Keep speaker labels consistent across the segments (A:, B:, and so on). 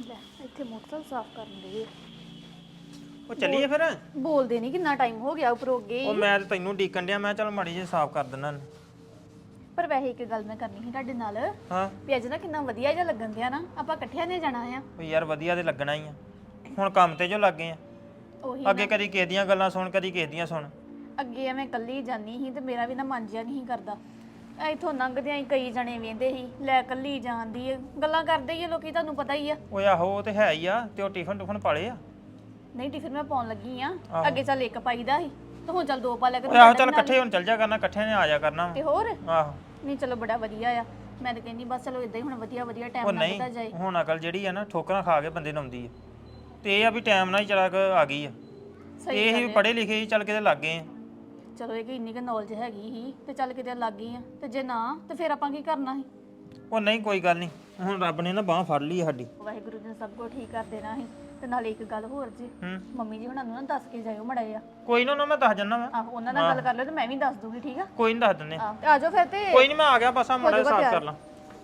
A: ਲੈ ਇੱਥੇ ਮੋਟਰਸਾਈਕਲ ਸਾਫ਼ ਕਰਨ ਦੇ
B: ਉਹ ਚੱਲੀਏ ਫਿਰ
A: ਬੋਲਦੇ ਨਹੀਂ ਕਿੰਨਾ ਟਾਈਮ ਹੋ ਗਿਆ ਉੱਪਰੋਂ ਅੱਗੇ
B: ਉਹ ਮੈਂ ਤੇ ਤੈਨੂੰ ਡੀਕਣ ਡਿਆ ਮੈਂ ਚੱਲ ਮਾੜੀ ਜਿਹੀ ਸਾਫ਼ ਕਰ ਦਿੰਦਾ
A: ਪਰ ਵੈਸੇ ਇੱਕ ਗੱਲ ਮੈਂ ਕਰਨੀ ਸੀ ਤੁਹਾਡੇ ਨਾਲ
B: ਹਾਂ
A: ਵੀ ਅੱਜ ਨਾ ਕਿੰਨਾ ਵਧੀਆ ਜਿਹਾ ਲੱਗਣ ਦਿਆ ਨਾ ਆਪਾਂ ਇਕੱਠਿਆਂ ਨੇ ਜਾਣਾ ਆ
B: ਉਹ ਯਾਰ ਵਧੀਆ ਤੇ ਲੱਗਣਾ ਹੀ ਆ ਹੁਣ ਕੰਮ ਤੇ ਜੋ ਲੱਗੇ ਆ
A: ਉਹੀ
B: ਅੱਗੇ ਕਦੀ ਕਿਸੇ ਦੀਆਂ ਗੱਲਾਂ ਸੁਣ ਕਦੀ ਕਿਸੇ ਦੀਆਂ ਸੁਣ
A: ਅੱਗੇ ਐਵੇਂ ਇਕੱਲੀ ਜਾਨੀ ਸੀ ਤੇ ਮੇਰਾ ਵੀ ਨਾ ਮਨ ਜਿਹਾ ਨਹੀਂ ਕਰਦਾ ਇੱਥੋਂ ਲੰਘਦਿਆਂ ਹੀ ਕਈ ਜਣੇ ਵੇਂਦੇ ਸੀ ਲੈ ਇਕੱਲੀ ਜਾਂਦੀ ਗੱਲਾਂ ਕਰਦੇ ਹੀ ਆ ਲੋਕੀ ਤੁਹਾਨੂੰ ਪਤਾ ਹੀ ਆ
B: ਓਏ ਆਹੋ ਉਹ ਤੇ ਹੈ ਹੀ ਆ ਤੇ ਉਹ ਟਿਫਨ ਟੁਫਨ ਪਾਲੇ ਆ
A: ਨਹੀਂ ਟਿਫਿਨ ਮੈਂ ਪਾਉਣ ਲੱਗੀ ਆ ਅੱਗੇ ਚੱਲ ਇੱਕ ਪਾਈਦਾ ਸੀ ਤੇ ਹੁਣ ਚੱਲ ਦੋ ਪਾ ਲਿਆ
B: ਓਏ ਆਹੋ ਚੱਲ ਇਕੱਠੇ ਹੁਣ ਚੱਲ ਜਾ ਕਰਨਾ ਇਕੱਠੇ ਨੇ ਆ ਜਾ ਕਰਨਾ
A: ਤੇ ਹੋਰ
B: ਆਹੋ
A: ਨਹੀਂ ਚਲੋ ਬੜਾ ਵਧੀਆ ਆ ਮੈਂ ਤਾਂ ਕਹਿੰਦੀ ਬਸ ਚਲੋ ਇਦਾਂ ਹੀ ਹੁਣ ਵਧੀਆ ਵਧੀਆ
B: ਉਹ
A: ਟਾਈਮ
B: ਨਹੀਂ
A: ਲੰਘਦਾ ਜਾਏ
B: ਹੁਣ ਅਕਲ ਜਿਹੜੀ ਆ ਨਾ ਠੋਕਰਾਂ ਖਾ ਕੇ ਬੰਦੇ ਨੂੰ ਆਉਂਦੀ ਆ ਤੇ ਇਹ ਆ ਵੀ ਟਾਈਮ ਨਾਲ ਹੀ ਚਲਾ ਕੇ ਆ ਗਈ ਆ ਇਹ ਹੀ ਪੜ੍ਹੇ ਲਿਖੇ ਹੀ ਚੱਲ ਕਿਤੇ ਲੱਗ ਗਏ ਆ
A: ਚਲੋ ਇਹ ਕਿ ਇੰਨੀ ਕੁ ਨੌਲੇਜ ਹੈਗੀ ਸੀ ਤੇ ਚੱਲ ਕਿਤੇ ਲੱਗ ਗਈ ਆ ਤੇ ਜੇ ਨਾ ਤੇ ਫਿਰ ਆਪਾਂ ਕੀ ਕਰਨਾ ਸੀ
B: ਉਹ ਨਹੀਂ ਕੋਈ ਗੱਲ ਨਹੀਂ ਹੁਣ ਰੱਬ ਨੇ ਨਾ ਬਾਹ ਫੜ ਲਈ ਸਾਡੀ
A: ਵਾਹਿਗੁਰੂ ਜੀ ਨੇ ਸਭ ਕੁਝ ਠੀਕ ਕਰ ਦੇਣਾ ਸੀ ਤੇ ਨਾਲ ਇੱਕ ਗੱਲ ਹੋਰ ਜੀ ਮੰਮੀ ਜੀ ਹੁਣਾਂ ਨੂੰ ਨਾ ਦੱਸ ਕੇ ਜਾਇਓ ਮੜਾਏ ਆ
B: ਕੋਈ ਨਾ ਮੈਂ ਦੱਸ ਜੰਨਾ ਵਾ
A: ਆਹੋ ਉਹਨਾਂ ਨਾਲ ਗੱਲ ਕਰ ਲਿਓ ਤੇ ਮੈਂ ਵੀ ਦੱਸ ਦੂੰਗੀ ਠੀਕ ਆ
B: ਕੋਈ ਨਹੀਂ ਦੱਸ ਦਿੰਨੇ
A: ਤੇ ਆ ਜਾਓ ਫਿਰ ਤੇ
B: ਕੋਈ ਨਹੀਂ ਮੈਂ ਆ ਗਿਆ ਬਸ ਆ ਮੜਾ ਸਾਫ਼ ਕਰ ਲਾਂ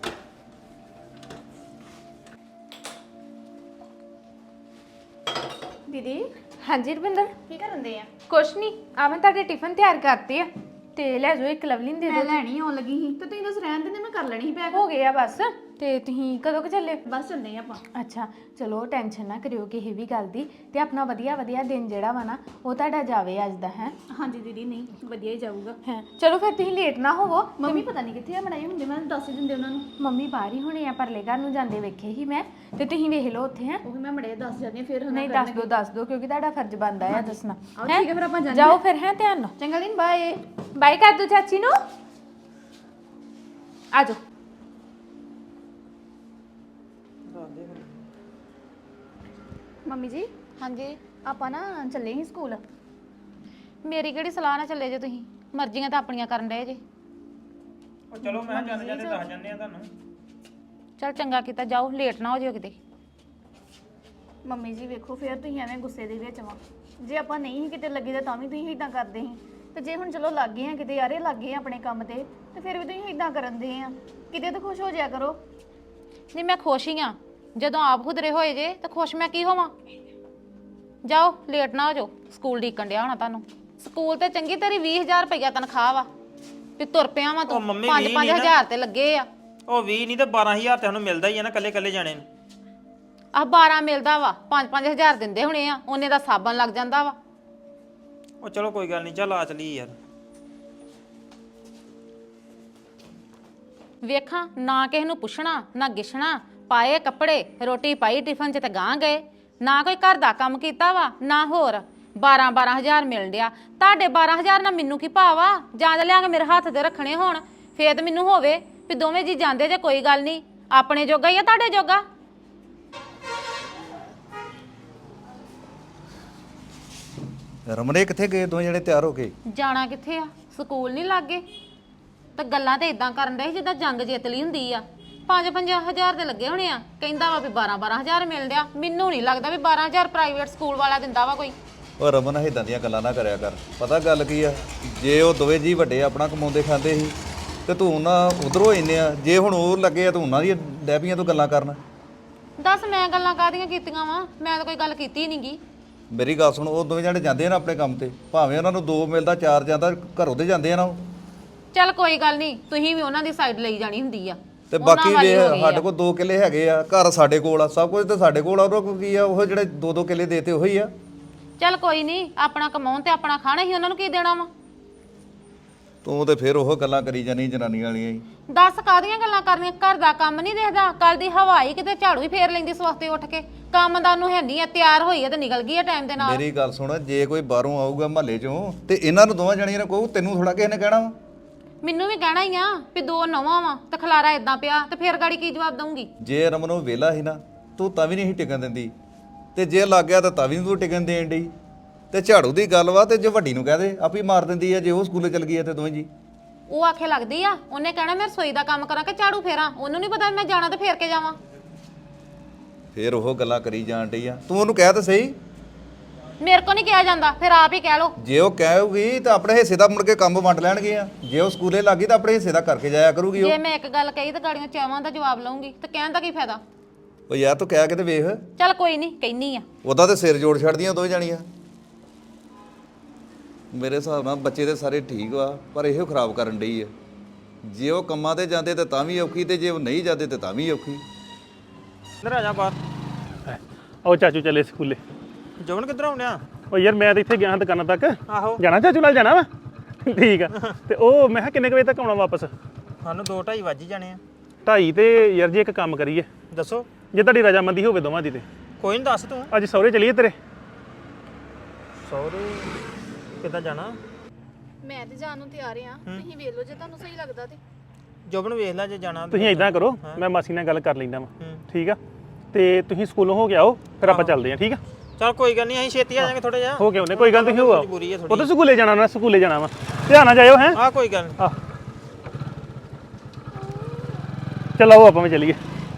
A: ਦੀਦੀ
C: ਹਾਂਜੀ ਰਵਿੰਦਰ
A: ਕੀ ਕਰਨ ਦੇ ਆ
C: ਕੁਛ ਨਹੀਂ ਆ ਮੈਂ ਤੁਹਾਡੇ ਟਿਫਨ ਤਿਆਰ ਕਰਤੇ ਆ ਤੇ ਲੈ ਜਾਓ ਇੱਕ ਲਵਲਿਨ ਦੇ
A: ਮੈਂ
C: ਦਿਓ
A: ਲੈਣੀ ਆਉਣ ਲੱਗੀ ਸੀ ਤੇ ਤੁਸੀਂ ਦੱਸ ਰਹਿਣ ਦਿੰਦੇ ਮੈਂ ਕਰ ਲੈਣੀ ਸੀ ਪੈਕ
C: ਹੋ ਗਿਆ ਬਸ ਤੇ ਤੁਸੀਂ ਕਦੋਂ ਕੁ ਚੱਲੇ
A: ਬਸ ਚੱਲਦੇ ਆ ਆਪਾਂ
C: ਅੱਛਾ ਚਲੋ ਟੈਨਸ਼ਨ ਨਾ ਕਰਿਓ ਕਿਸੇ ਵੀ ਗੱਲ ਦੀ ਤੇ ਆਪਣਾ ਵਧੀਆ ਵਧੀਆ ਦਿਨ ਜਿਹੜਾ ਵਾ ਨਾ ਉਹ ਤੁਹਾਡਾ ਜਾਵੇ ਅੱਜ ਦਾ ਹੈ
A: ਹਾਂਜੀ ਦੀਦੀ ਨਹੀਂ ਵਧੀਆ ਹੀ ਜਾਊਗਾ
C: ਹੈ ਚਲੋ ਫਿਰ ਤੁਸੀਂ ਲੇਟ ਨਾ ਹੋਵੋ
A: ਮੰਮੀ ਪਤਾ ਨਹੀਂ ਕਿੱਥੇ ਆ ਬਣਾਈ ਹੁੰਦੇ ਮੈਂ ਦੱਸ ਹੀ ਦਿੰਦੇ ਉਹਨਾਂ ਨੂੰ
C: ਮੰਮੀ ਬਾਹਰ ਹੀ ਹੋਣੇ ਆ ਪਰਲੇ ਘਰ ਨੂੰ ਜਾਂਦੇ ਵੇਖੇ ਹੀ ਮੈਂ ਤੇ ਤੁਸੀਂ ਵੇਖ ਲਓ ਉੱਥੇ ਹੈ
A: ਉਹ ਵੀ ਮੈਂ ਮੜੇ ਦੱਸ ਜਾਂਦੀ ਆ ਫਿਰ
C: ਨਹੀਂ ਦੱਸ ਦੋ ਕਿਉਂਕਿ ਤੁਹਾਡਾ ਫਰਜ਼ ਬਣਦਾ ਹੈ ਦੱਸਣਾ
A: ਆਓ ਠੀਕ ਹੈ ਫਿਰ ਆਪਾਂ ਜਾਂਦੇ
C: ਜਾਓ ਫਿਰ ਹੈ ਧਿਆਨ ਨਾਲ
A: ਚੰਗਾ ਦਿਨ ਬਾਏ
C: ਬਾਈ ਕਰ ਦੋ ਚਾਚੀ ਨੂੰ ਆ ਜਾਓ
A: ਮੰਮੀ ਜੀ
D: ਹਾਂਜੀ
A: ਆਪਾਂ ਨਾ ਚੱਲੇ ਸੀ ਸਕੂਲ
D: ਮੇਰੀ ਕਿਹੜੀ ਸਲਾਹ ਨਾਲ ਚੱਲੇ ਜੇ ਤੁਸੀਂ ਮਰਜ਼ੀਆਂ ਤਾਂ ਆਪਣੀਆਂ ਕਰਨ ਡਏ ਜੇ
B: ਉਹ ਚਲੋ ਮੈਂ ਜਾਂਦੇ ਜਾਂਦੇ ਦੱਸ ਜੰਨੇ ਆ ਤੁਹਾਨੂੰ
D: ਚਲ ਚੰਗਾ ਕੀਤਾ ਜਾਓ ਲੇਟ ਨਾ ਹੋ ਜਿਓ ਕਿਤੇ
A: ਮੰਮੀ ਜੀ ਵੇਖੋ ਫਿਰ ਤੁਸੀਂ ਐਵੇਂ ਗੁੱਸੇ ਦੇ ਵਿੱਚ ਵਾ ਜੇ ਆਪਾਂ ਨਹੀਂ ਸੀ ਕਿਤੇ ਲੱਗੇ ਤਾਂ ਵੀ ਤੁਸੀਂ ਇਦਾਂ ਕਰਦੇ ਸੀ ਤੇ ਜੇ ਹੁਣ ਚਲੋ ਲੱਗ ਗਏ ਆ ਕਿਤੇ ਯਾਰੇ ਲੱਗ ਗਏ ਆ ਆਪਣੇ ਕੰਮ ਤੇ ਫਿਰ ਵੀ ਤੁਸੀਂ ਇਦਾਂ ਕਰਨ ਦੇ ਆ ਕਿਤੇ ਤਾਂ ਖੁਸ਼ ਹੋ ਜਾਇਆ ਕਰੋ
D: ਨਹੀਂ ਮੈਂ ਖੁਸ਼ ਹੀ ਆ ਜਦੋਂ ਆਪ ਖੁਦਰੇ ਹੋਏ ਜੇ ਤਾਂ ਖੁਸ਼ ਮੈਂ ਕੀ ਹੋਵਾਂ ਜਾਓ ਲੇਟ ਨਾ ਹੋ ਜਾਓ ਸਕੂਲ ਡੀਕਣ ਡਿਆ ਹੋਣਾ ਤੁਹਾਨੂੰ ਸਕੂਲ ਤੇ ਚੰਗੀ ਤੇਰੀ 20000 ਰੁਪਇਆ ਤਨਖਾਹ ਵਾ ਤੇ ਤੁਰ ਪਿਆ ਵਾ ਤੂੰ 5-5000 ਤੇ ਲੱਗੇ ਆ
B: ਉਹ 20 ਨਹੀਂ ਤੇ 12000 ਤੇ ਸਾਨੂੰ ਮਿਲਦਾ ਹੀ ਆ ਨਾ ਕੱਲੇ ਕੱਲੇ ਜਾਣੇ ਨੂੰ
D: ਆਹ 12 ਮਿਲਦਾ ਵਾ 5-5000 ਦਿੰਦੇ ਹੋਣੇ ਆ ਉਹਨੇ ਦਾ ਸਾਬਣ ਲੱਗ ਜਾਂਦਾ ਵਾ
B: ਉਹ ਚਲੋ ਕੋਈ ਗੱਲ ਨਹੀਂ ਚੱਲ ਆ ਚਲੀ ਯਾਰ
D: ਵੇਖਾਂ ਨਾ ਕਿਸੇ ਨੂੰ ਪੁੱਛਣਾ ਨਾ ਗਿਛਣਾ ਪਾਏ ਕੱਪੜੇ ਰੋਟੀ ਪਾਈ ਟਿਫਨ 'ਚ ਤੇ ਗਾਂ ਗਏ ਨਾ ਕੋਈ ਘਰ ਦਾ ਕੰਮ ਕੀਤਾ ਵਾ ਨਾ ਹੋਰ 12-12000 ਮਿਲ ਡਿਆ ਤੁਹਾਡੇ 12000 ਨਾਲ ਮੈਨੂੰ ਕੀ ਭਾਵਾ ਜਾਂ ਲਿਆ ਕੇ ਮੇਰੇ ਹੱਥ ਤੇ ਰੱਖਣੇ ਹੋਣ ਫੇਰ ਤੇ ਮੈਨੂੰ ਹੋਵੇ ਵੀ ਦੋਵੇਂ ਜੀ ਜਾਂਦੇ ਜੇ ਕੋਈ ਗੱਲ ਨਹੀਂ ਆਪਣੇ ਜੋਗਾ ਹੀ ਆ ਤੁਹਾਡੇ ਜੋਗਾ
E: ਰਮਨੇ ਕਿੱਥੇ ਗਏ ਦੋਵੇਂ ਜਣੇ ਤਿਆਰ ਹੋ ਕੇ
D: ਜਾਣਾ ਕਿੱਥੇ ਆ ਸਕੂਲ ਨਹੀਂ ਲੱਗੇ ਤੇ ਗੱਲਾਂ ਤੇ ਇਦਾਂ ਕਰਨ ਦੇ ਜਿੱਦਾਂ ਜੰਗ ਜਿੱਤ ਲਈ ਹੁੰਦੀ ਆ 5-5000 ਦੇ ਲੱਗੇ ਹੋਣੇ ਆ ਕਹਿੰਦਾ ਵਾ ਵੀ 12-12000 ਮਿਲ ਡਿਆ ਮੈਨੂੰ ਨਹੀਂ ਲੱਗਦਾ ਵੀ 12000 ਪ੍ਰਾਈਵੇਟ ਸਕੂਲ ਵਾਲਾ ਦਿੰਦਾ ਵਾ ਕੋਈ
E: ਉਹ ਰਮਨ ਇਦਾਂ ਦੀਆਂ ਗੱਲਾਂ ਨਾ ਕਰਿਆ ਕਰ ਪਤਾ ਗੱਲ ਕੀ ਆ ਜੇ ਉਹ ਦੋਵੇਂ ਜੀ ਵੱਡੇ ਆਪਣਾ ਕਮਾਉਂਦੇ ਖਾਂਦੇ ਸੀ ਤੇ ਤੂੰ ਨਾ ਉਧਰੋਂ ਇੰਨੇ ਆ ਜੇ ਹੁਣ ਉਹ ਲੱਗੇ ਆ ਤੂੰ ਉਹਨਾਂ ਦੀ ਡੈਬੀਆਂ ਤੋਂ ਗੱਲਾਂ ਕਰਨ
D: ਦੱਸ ਮੈਂ ਗੱਲਾਂ ਕਾਹਦੀਆਂ ਕੀਤੀਆਂ ਵਾ ਮੈਂ ਤਾਂ ਕੋਈ ਗੱਲ ਕੀਤੀ ਨਹੀਂਗੀ
E: ਮੇਰੀ ਗੱਲ ਸੁਣ ਉਹ ਦੋਵੇਂ ਜਣੇ ਜਾਂਦੇ ਆ ਨਾ ਆਪਣੇ ਕੰਮ ਤੇ ਭਾਵੇਂ ਉਹਨਾਂ ਨੂੰ 2 ਮਿਲਦਾ 4 ਜਾਂਦਾ ਘਰੋਂ ਦੇ ਜਾਂਦੇ ਆ ਨਾ ਉਹ
D: ਚੱਲ ਕੋਈ ਗੱਲ ਨਹੀਂ ਤੁਸੀਂ ਵੀ ਉਹਨਾਂ ਦੀ ਸਾਈਡ ਲਈ ਜਾਣੀ ਹੁੰਦੀ ਆ
E: ਤੇ ਬਾਕੀ ਵੇ ਸਾਡੇ ਕੋਲ 2 ਕਿੱਲੇ ਹੈਗੇ ਆ ਘਰ ਸਾਡੇ ਕੋਲ ਆ ਸਭ ਕੁਝ ਤੇ ਸਾਡੇ ਕੋਲ ਆ ਉਹਨਾਂ ਕੋਲ ਕੀ ਆ ਉਹ ਜਿਹੜੇ 2-2 ਕਿੱਲੇ ਦੇਤੇ ਉਹੀ ਆ
D: ਚੱਲ ਕੋਈ ਨਹੀਂ ਆਪਣਾ ਕਮਾਉਣ ਤੇ ਆਪਣਾ ਖਾਣਾ ਹੀ ਉਹਨਾਂ ਨੂੰ ਕੀ ਦੇਣਾ ਵਾ
E: ਤੂੰ ਤੇ ਫਿਰ ਉਹ ਗੱਲਾਂ ਕਰੀ ਜਾਨੀ ਜਨਾਨੀ ਵਾਲੀਆਂ ਹੀ
D: ਦੱਸ ਕਾਹਦੀਆਂ ਗੱਲਾਂ ਕਰਨੀਆਂ ਘਰ ਦਾ ਕੰਮ ਨਹੀਂ ਦੇਖਦਾ ਕੱਲ ਦੀ ਹਵਾਈ ਕਿਤੇ ਝਾੜੂ ਹੀ ਫੇਰ ਲੈਂਦੀ ਸਵਖਤੇ ਉੱਠ ਕੇ ਕੰਮ ਦਾ ਉਹਨੂੰ ਹੈ ਨਹੀਂ ਆ ਤਿਆਰ ਹੋਈ ਆ ਤੇ ਨਿਕਲ ਗਈ ਆ ਟਾਈਮ ਦੇ ਨਾਲ
E: ਮੇਰੀ ਗੱਲ ਸੁਣ ਜੇ ਕੋਈ ਬਾਹਰੋਂ ਆਊਗਾ ਮਹੱਲੇ ਚੋਂ ਤੇ ਇਹਨਾਂ ਨੂੰ ਦੋਵਾਂ ਜਣੀਆਂ ਨੂੰ ਕਹੂ ਤੈਨੂੰ ਥੋੜਾ ਕਿਸੇ ਨੇ ਕਹਿਣਾ ਵਾ
D: ਮੈਨੂੰ ਵੀ ਕਹਿਣਾ ਹੀ ਆ ਵੀ 2 ਨੌਵਾਂ ਵਾ ਤੇ ਖਲਾਰਾ ਇਦਾਂ ਪਿਆ ਤੇ ਫੇਰ ਗਾੜੀ ਕੀ ਜਵਾਬ ਦਊਂਗੀ
E: ਜੇ ਰਮਨ ਉਹ ਵਿਹਲਾ ਸੀ ਨਾ ਤੂੰ ਤਾਂ ਵੀ ਨਹੀਂ ਟਿਕਣ ਦਿੰਦੀ ਤੇ ਜੇ ਲੱਗ ਗਿਆ ਤਾਂ ਵੀ ਨੀ ਤੂੰ ਟਿਕਣ ਦੇਣ ਡਈ ਤੇ ਝਾੜੂ ਦੀ ਗੱਲ ਵਾ ਤੇ ਜੇ ਵੱਡੀ ਨੂੰ ਕਹਿ ਦੇ ਆਪੇ ਮਾਰ ਦਿੰਦੀ ਆ ਜੇ ਉਹ ਸਕੂਲੇ ਚਲ ਗਈ ਆ ਤੇ ਦੋਵੇਂ ਜੀ
D: ਉਹ ਆਖੇ ਲੱਗਦੀ ਆ ਉਹਨੇ ਕਹਿਣਾ ਮੈਂ ਰਸੋਈ ਦਾ ਕੰਮ ਕਰਾਂ ਕਿ ਝਾੜੂ ਫੇਰਾਂ ਉਹਨੂੰ ਨਹੀਂ ਪਤਾ ਮੈਂ ਜਾਣਾ ਤੇ ਫੇਰ ਕੇ ਜਾਵਾਂ
E: ਫੇਰ ਉਹ ਗੱਲਾਂ ਕਰੀ ਜਾਣ ਡਈ ਆ ਤੂੰ ਉਹਨੂੰ ਕਹਿ ਤਾਂ ਸਹੀ
D: ਮੇਰੇ ਕੋ ਨਹੀਂ ਕਿਹਾ ਜਾਂਦਾ ਫਿਰ ਆਪ ਹੀ ਕਹਿ ਲੋ
E: ਜੇ ਉਹ ਕਹੇਗੀ ਤਾਂ ਆਪਣੇ ਹਿੱਸੇ ਦਾ ਮੁੜ ਕੇ ਕੰਮ ਵੰਡ ਲੈਣਗੇ ਆ ਜੇ ਉਹ ਸਕੂਲੇ ਲੱਗੀ ਤਾਂ ਆਪਣੇ ਹਿੱਸੇ ਦਾ ਕਰਕੇ ਜਾਇਆ ਕਰੂਗੀ ਉਹ
D: ਜੇ ਮੈਂ ਇੱਕ ਗੱਲ ਕਹੀ ਤਾਂ ਗਾੜੀਆਂ ਚਾਵਾਂ ਦਾ ਜਵਾਬ ਲਵਾਂਗੀ ਤੇ ਕਹਿਣ ਦਾ ਕੀ ਫਾਇਦਾ
E: ਉਹ ਯਾਰ ਤੂੰ ਕਹਿ ਕੇ ਤੇ ਵੇਖ,
D: ਚੱਲ ਕੋਈ ਨਹੀਂ ਕਹਿਨੀ ਆ।
E: ਉਹਦਾ ਤੇ ਸਿਰ ਜੋੜ ਛੱਡਦੀਆਂ ਦੋਵੇਂ ਜਾਣੀਆਂ। ਮੇਰੇ ਹਿਸਾਬ ਨਾਲ ਬੱਚੇ ਤੇ ਸਾਰੇ ਠੀਕ ਵਾ, ਪਰ ਇਹੋ ਖਰਾਬ ਕਰਨ ਡਈ ਆ। ਜੇ ਉਹ ਕੰਮਾਂ ਤੇ ਜਾਂਦੇ ਤੇ ਤਾਂ ਵੀ ਔਖੀ, ਤੇ ਜੇ ਉਹ ਨਹੀਂ ਜਾਂਦੇ ਤੇ ਤਾਂ ਵੀ ਔਖੀ।
B: ਇੱਧਰ ਆ ਜਾ ਬਾਹਰ।
F: ਉਹ ਚਾਚੂ ਚੱਲੇ ਸਕੂਲੇ।
B: ਜਵਨ ਕਿੱਧਰ ਆਉਣਿਆ?
F: ਉਹ ਯਾਰ ਮੈਂ ਤਾਂ ਇੱਥੇ ਗਿਆ ਦੁਕਾਨਾਂ ਤੱਕ।
B: ਆਹੋ
F: ਜਾਣਾ ਚਾਚੂ ਨਾਲ ਜਾਣਾ ਵਾ? ਠੀਕ ਆ। ਤੇ ਉਹ ਮੈਂ ਕਿਹਾ ਕਿੰਨੇ ਕੁ ਵਜੇ ਤੱਕ ਆਉਣਾ ਵਾਪਸ?
B: ਸਾਨੂੰ 2:30 ਵੱਜ ਹੀ ਜਾਣੇ ਆ।
F: 2:30 ਤੇ ਯਾਰ ਜੀ ਇੱਕ ਕੰਮ ਕਰੀਏ,
B: ਦੱਸੋ।
F: ਜੇ ਤੁਹਾਡੀ ਰਜਾਮੰਦੀ ਹੋਵੇ ਦੋਵਾਂ ਦੀ ਤੇ
B: ਕੋਈ ਨਹੀਂ, ਦੱਸ ਤੂੰ।
F: ਅੱਜ ਸਹੁਰੇ ਚਲੀਏ ਤੇਰੇ?
B: ਸੌਰੇ ਕਿੱਦਾਂ ਜਾਣਾ?
A: ਮੈਂ ਤੇ ਜਾਣ ਨੂੰ ਤਿਆਰ ਆ, ਤੁਸੀਂ ਵੇਖ ਲਓ ਜੇ ਤੁਹਾਨੂੰ ਸਹੀ ਲੱਗਦਾ ਤੇ।
B: ਜੋਬਨ ਵੇਖ ਲੈ ਜੇ ਜਾਣਾ।
F: ਤੁਸੀਂ ਇਦਾਂ ਕਰੋ, ਮੈਂ ਮਾਸੀ ਨਾਲ ਗੱਲ ਕਰ ਲੈਂਦਾ ਵਾਂ, ਠੀਕ ਆ? ਤੇ ਤੁਸੀਂ ਸਕੂਲੋਂ ਹੋ ਕੇ ਆਓ, ਫਿਰ ਆਪਾਂ ਚੱਲਦੇ ਆਂ, ਠੀਕ ਆ?
B: ਚਲ ਕੋਈ ਗੱਲ ਨਹੀਂ, ਅਸੀਂ ਛੇਤੀ ਆ ਜਾਾਂਗੇ ਥੋੜਾ ਜਿਹਾ।
F: ਹੋ ਕੇ ਉਹਨੇ ਕੋਈ ਗੱਲ, ਤੁਸੀਂ ਹੋ ਆਓ।
B: ਮਜਬੂਰੀ ਹੈ
F: ਉਹ
B: ਥੋੜੀ।
F: ਤਾਂ ਸਕੂਲੇ ਜਾਣਾ, ਉਹਨਾਂ ਸਕੂਲੇ ਜਾਣਾ ਵਾ, ਧਿਆਨ ਨਾਲ ਜਾਇਓ। ਹੈ
B: ਆ ਕੋਈ ਗੱਲ ਨੀ।
F: ਚੱਲ ਆਓ ਆਪਾਂ ਵੀ ਚੱਲੀਏ।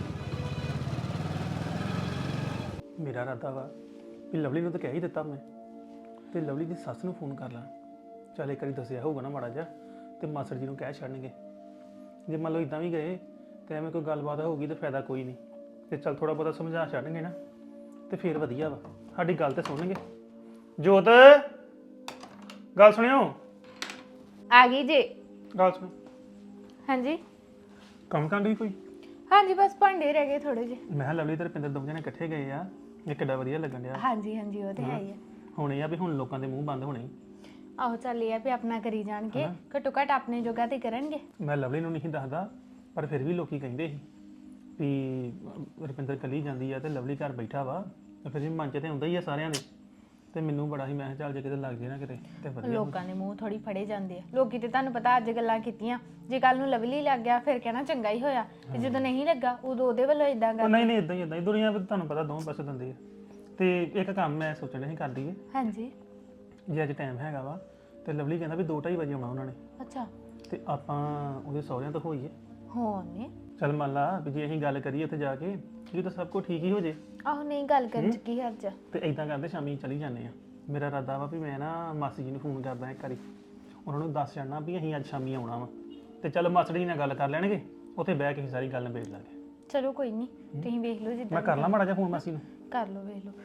F: ਮੇਰਾ ਇਰਾਦਾ ਵਾ ਵੀ ਲਵਲੀ ਨੂੰ ਤਾਂ ਕਹਿ ਹੀ ਦਿੱਤਾ ਮੈਂ, ਤੇ ਲਵਲੀ ਦੀ ਸੱਸ ਨੂੰ ਫੋਨ ਕਰ ਲਾਂ। ਚੱਲ ਇੱਕ ਵਾਰੀ ਦੱਸਿਆ ਹੋਊਗਾ ਨਾ ਮਾੜਾ ਜਿਹਾ, ਤੇ ਮਾਸੜ ਜੀ ਨੂੰ ਕਹਿ ਛੱਡਣਗੇ। ਜੇ ਮੰਨ ਲਓ ਇਦਾਂ ਵੀ ਗਏ ਤੇ ਐਵੇਂ ਕੋਈ ਗੱਲਬਾਤ ਹੋਊਗੀ ਤਾਂ ਫਾਇਦਾ ਕੋਈ ਨਹੀਂ। ਤੇ ਚੱਲ ਥੋੜਾ ਬਹੁਤਾ ਸਮਝਾ ਛੱਡਣਗੇ ਨਾ ਤੇ ਫਿਰ ਵਧੀਆ ਵਾ, ਸਾਡੀ ਗੱਲ ਤੇ ਸੁਣਨਗੇ। ਜੋਤ ਗੱਲ ਸੁਣਿਓ,
C: ਆ ਗਈ ਜੇ।
F: ਗੱਲ ਸੁਣੋ।
C: ਹਾਂਜੀ
F: ਕੰਮ ਕਰਦੀ ਕੋਈ?
C: ਹਾਂਜੀ, ਬਸ ਭਾਂਡੇ ਰਹਿ ਗਏ ਥੋੜੇ ਜਿਹੇ।
F: ਮੈਂ ਕਿਹਾ ਲਵਲੀ ਤੇ ਰੁਪਿੰਦਰ ਦੋਵੇਂ ਜਣੇ ਇਕੱਠੇ ਗਏ ਆ, ਇਹ ਕਿੱਡਾ ਵਧੀਆ ਲੱਗਣ ਡਿਆ।
C: ਹਾਂਜੀ ਹਾਂਜੀ, ਉਹ ਤੇ ਹੈ ਹੀ ਆ।
F: ਹੁਣ ਇਹ ਆ ਵੀ ਹੁਣ ਲੋਕਾਂ ਦੇ ਮੂੰਹ ਬੰਦ ਹੋਣੇ।
C: ਆਹੋ ਚੱਲ ਇਹ ਆ ਵੀ ਆਪਣਾ ਕਰੀ ਜਾਣਗੇ, ਘੱਟੋ ਘੱਟ ਆਪਣੇ ਜੋਗਾ ਤੇ ਕਰਨਗੇ।
F: ਮੈਂ ਲਵਲੀ ਨੂੰ ਨਹੀਂ ਦੱਸਦਾ, ਪਰ ਫਿਰ ਵੀ ਲੋਕੀ ਕਹਿੰਦੇ ਸੀ ਵੀ ਰੁਪਿੰਦਰ ਕੱਲੀ ਜਾਂਦੀ ਆ ਤੇ ਲਵਲੀ ਘਰ ਬੈਠਾ ਵਾ, ਤੇ ਫਿਰ ਵੀ ਮਨ 'ਚ ਤੇ ਹੁੰਦਾ ਹੀ ਆ ਸਾਰਿਆਂ ਦੇ। ਤੇ ਮੈਨੂੰ ਬੜਾ ਹੀ, ਮੈਂ ਕਿਹਾ ਚੱਲ ਜੇ ਕਿਤੇ ਲੱਗ ਜੇ ਨਾ ਕਿਤੇ ਤੇ ਵਧੀਆ।
C: ਲੋਕਾਂ ਦੇ ਮੂੰਹ ਥੋੜੀ ਫੜੇ ਜਾਂਦੇ ਆ। ਲੋਕੀ ਤੇ ਤੁਹਾਨੂੰ ਪਤਾ ਅੱਜ ਗੱਲਾਂ ਕੀਤੀਆਂ, ਜੇ ਕੱਲ ਨੂੰ ਲਵਲੀ ਲੱਗ ਗਿਆ ਫਿਰ ਕਹਿਣਾ ਚੰਗਾ ਹੀ ਹੋਇਆ, ਤੇ ਜਦੋਂ ਨਹੀਂ ਲੱਗਾ ਉਦੋਂ ਉਹਦੇ ਵੱਲੋਂ ਇਦਾਂ
F: ਉਹ
C: ਕਰ।
F: ਨਹੀਂ ਇਦਾਂ ਹੀ ਦੁਨੀਆ ਵਿੱਚ ਤੁਹਾਨੂੰ ਪਤਾ ਦੋਵੇਂ ਪਾਸੇ ਦਿੰਦੇ ਆ। ਤੇ ਇੱਕ ਕੰਮ ਮੈਂ ਸੋਚਣ ਡਿਆ ਸੀ ਕਰ ਦਈਏ,
C: ਹਾਂਜੀ
F: ਜੇ ਅੱਜ ਟਾਈਮ ਹੈਗਾ ਵਾ ਤੇ ਲਵਲੀ ਕਹਿੰਦਾ ਵੀ 2:30 ਵਜੇ ਆਉਣਾ ਉਹਨਾਂ ਨੇ,
C: ਅੱਛਾ
F: ਤੇ ਆਪਾਂ ਉਹਦੇ ਸਹੁਰਿਆਂ ਤੋਂ ਹੋਈਏ।
C: ਹੋਣੇ।
F: ਚੱਲ ਮੰਨ ਲਾ ਵੀ ਜੇ ਅਸੀਂ ਗੱਲ ਕਰੀਏ ਉੱਥੇ ਜਾ ਕੇ, ਜੇ ਤਾਂ ਸਭ ਕੁਝ ਠੀਕ ਹੀ ਹੋ ਜੇ
C: ਆਹੋ ਨਹੀਂ ਗੱਲ ਕਰਨ ਚ ਕੀ ਹਰਜ ਆ।
F: ਤੇ ਇਦਾਂ ਕਰਦੇ ਸ਼ਾਮੀ ਚਲੀ ਜਾਂਦੇ ਆ। ਮੇਰਾ ਇਰਾਦਾ ਵਾ ਵੀ ਮੈਂ ਨਾ ਮਾਸੀ ਜੀ ਨੂੰ ਫੋਨ ਕਰਦਾ ਇੱਕ ਵਾਰੀ, ਉਹਨਾਂ ਨੂੰ ਦੱਸ ਜਾਣਾ ਵੀ ਅਸੀਂ ਅੱਜ ਸ਼ਾਮੀ ਆਉਣਾ ਵਾ, ਤੇ ਚੱਲ ਮਾਸੜ ਜੀ ਨਾਲ ਗੱਲ ਕਰ ਲੈਣਗੇ, ਉੱਥੇ ਬਹਿ ਕੇ ਅਸੀਂ ਸਾਰੀ ਗੱਲ ਨਿਬੇੜ ਲਾਂਗੇ।
C: ਚਲੋ ਕੋਈ ਨਹੀਂ, ਤੁਸੀਂ ਵੇਖ ਲਓ
F: ਮੈਂ
C: ਜਿੱਦਾਂ
F: ਕਰ ਲਾਂ ਮਾੜਾ ਜਿਹਾ ਫੋਨ ਮਾਸੀ ਨੂੰ।
C: ਕਰ ਲਓ, ਵੇਖ ਲਓ।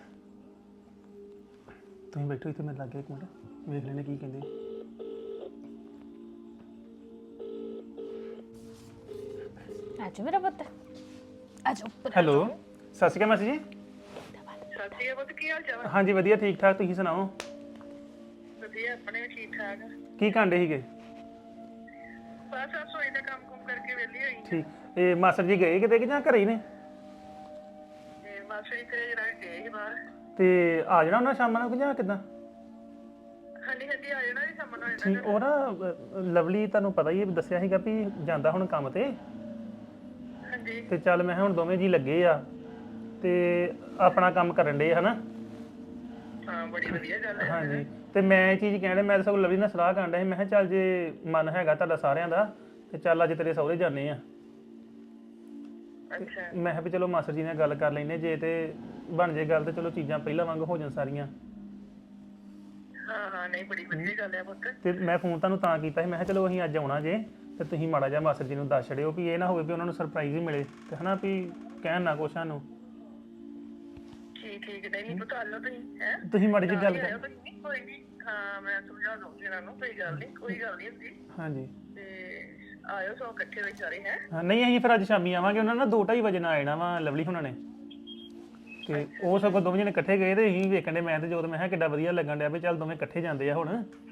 F: ਤੁਸੀਂ ਬੈਠੋ ਇੱਥੇ, ਮੇਰੇ ਲਾਗੇ ਇੱਕ ਮਿੰਟ, ਵੇਖ ਲੈਣੇ ਕੀ ਕਹਿੰਦੇ।
C: ਆਜੋ ਮੇਰਾ ਪੁੱਤ, ਆਜੋ।
F: ਹੈਲੋ, ਸਤਿ ਸ਼੍ਰੀ ਅਕਾਲ ਮਾਸੀ ਜੀ।
G: ਸਤਿ ਸ਼੍ਰੀ ਅਕਾਲ, ਕੀ ਹਾਲ ਚਾਲ?
F: ਹਾਂਜੀ ਵਧੀਆ, ਠੀਕ ਠਾਕ, ਤੁਸੀਂ ਸੁਣਾਓ?
G: ਵਧੀਆ, ਆਪਣੇ ਵੀ ਠੀਕ ਠਾਕ।
F: ਕੀ ਕਾਂਡੇ ਸੀਗੇ?
G: ਬਸ ਰਸੋਈ ਦਾ ਕੰਮ ਕੁਮ ਕਰਕੇ ਵਿਹਲੀ ਹੋਈ
F: ਠੀਕ। ਇਹ ਮਾਸਟਰ ਜੀ ਗਏ ਕਿਤੇ ਕਿ ਜਾਂ ਘਰੇ ਹੀ ਨੇ?
G: ਤੇ ਮਾਸੀ ਤੇਰੇ ਜਰਾ ਗਏ ਸੀ ਬਾਹਰ।
F: ਤੇ ਆ ਜਾਣਾ ਉਹਨਾਂ ਸ਼ਾਮਾਂ ਨੂੰ ਕਿ ਜਾਂ ਕਿੱਦਾਂ?
G: ਹਾਂਜੀ ਹਾਂਜੀ, ਆ ਜਾਣਾ ਜੀ ਸਾਹਮਣੇ ਆ
F: ਠੀਕ। ਉਹ ਨਾ ਲਵਲੀ ਤੁਹਾਨੂੰ ਪਤਾ ਹੀ ਹੈ, ਦੱਸਿਆ ਸੀਗਾ ਵੀ ਜਾਂਦਾ ਹੁਣ ਕੰਮ ਤੇ।
G: ਹਾਂਜੀ
F: ਤੇ ਚੱਲ ਮੈਂ ਕਿਹਾ ਹੁਣ ਦੋਵੇਂ ਜੀ ਲੱਗੇ ਆ ਤੇ ਆਪਣਾ ਕੰਮ ਕਰਨ ਦੇ ਹਨਾ।
G: ਹਾਂ, ਬੜੀ ਵਧੀਆ ਗੱਲ ਹੈ।
F: ਹਾਂਜੀ, ਤੇ ਮੈਂ ਇਹ ਚੀਜ਼ ਕਹਿਣ ਡਿਆ, ਮੈਂ ਤਾਂ ਸਗੋਂ ਲਵਲੀ ਨਾਲ ਸਲਾਹ ਕਰਨ ਡਿਆ ਸੀ, ਮੈਂ ਕਿਹਾ ਚੱਲ ਜੇ ਮਨ ਹੈਗਾ ਤੁਹਾਡਾ ਸਾਰਿਆਂ ਦਾ ਤੇ ਚੱਲ ਅੱਜ ਤੇਰੇ ਸਹੁਰੇ ਜਾਂਦੇ ਆ।
G: ਅੱਛਾ,
F: ਮੈਂ ਕਿਹਾ ਵੀ ਚਲੋ ਮਾਸਟਰ ਜੀ ਨਾਲ ਗੱਲ ਕਰ ਲੈਨੇ, ਜੇ ਤੇ ਬਣ ਜੇ ਗੱਲ ਤੇ ਚਲੋ ਚੀਜ਼ਾਂ ਪਹਿਲਾਂ ਵਾਂਗ ਹੋ ਜਾਣ ਸਾਰੀਆਂ।
G: ਹਾਂ ਹਾਂ, ਨਹੀਂ ਬੜੀ ਵਧੀਆ ਗੱਲ ਹੈ ਪੁੱਤ।
F: ਤੇ ਮੈਂ ਫੋਨ ਤੁਹਾਨੂੰ ਤਾਂ ਕੀਤਾ ਸੀ, ਮੈਂ ਕਿਹਾ ਚਲੋ ਅਸੀਂ ਅੱਜ ਆਉਣਾ ਜੇ, ਤੇ ਤੁਸੀਂ ਮਾੜਾ ਜਿਹਾ ਮਾਸਟਰ ਜੀ ਨੂੰ ਦੱਸ ਛੜਿਓ ਵੀ ਇਹ ਨਾ ਹੋਵੇ ਵੀ ਉਹਨਾਂ ਨੂੰ ਸਰਪ੍ਰਾਈਜ਼ ਹੀ ਮਿਲੇ ਤੇ ਹਨਾ ਵੀ ਕਹਿਣ ਨਾ ਕੁਛ ਸਾਨੂੰ।
G: ਠੀਕ ਠੀਕ, ਨਹੀਂ ਪੁੱਤ, ਆ ਲਓ ਤੁਸੀਂ। ਹੈ
F: ਤੁਸੀਂ ਮਾੜੀ ਜਿਹੀ ਗੱਲ
G: ਆਇਓ ਤੁਸੀਂ, ਕੋਈ ਨਹੀਂ। ਹਾਂ, ਮੈਂ ਸਮਝਾ ਦਊਂਗੀ ਇਹਨਾਂ ਨੂੰ, ਕੋਈ ਗੱਲ ਨਹੀਂ, ਕੋਈ ਗੱਲ ਨਹੀਂ ਹੁੰਦੀ।
F: ਹਾਂਜੀ
G: ਤੇ ਆਇਓ ਸੋ ਇਕੱਠੇ ਹੋਈ ਸਾਰੇ। ਹੈ
F: ਹਾਂ, ਨਹੀਂ ਅਸੀਂ ਫਿਰ ਅੱਜ ਸ਼ਾਮੀ ਆਵਾਂਗੇ, ਉਹਨਾਂ ਨਾਲ 2:30 ਵਜੇ ਨਾਲ ਆਣਾ ਵਾ ਲਵਲੀ ਹੁਣਾਂ ਨੇ। ਤੇ ਉਹ ਸਗੋਂ ਦੋਵੇਂ ਜਣੇ ਇਕੱਠੇ ਗਏ ਤੇ ਅਸੀਂ ਵੇਖਣ ਦੇ, ਮੈਂ ਤੇ ਜੋਤ, ਮੈਂ ਕਿਹਾ ਕਿੱਡਾ ਵਧੀਆ ਲੱਗਣ ਡਿਆ ਵੀ ਚੱਲ ਦੋਵੇਂ ਇਕੱਠੇ ਜਾਂਦੇ ਆ ਹੁਣ।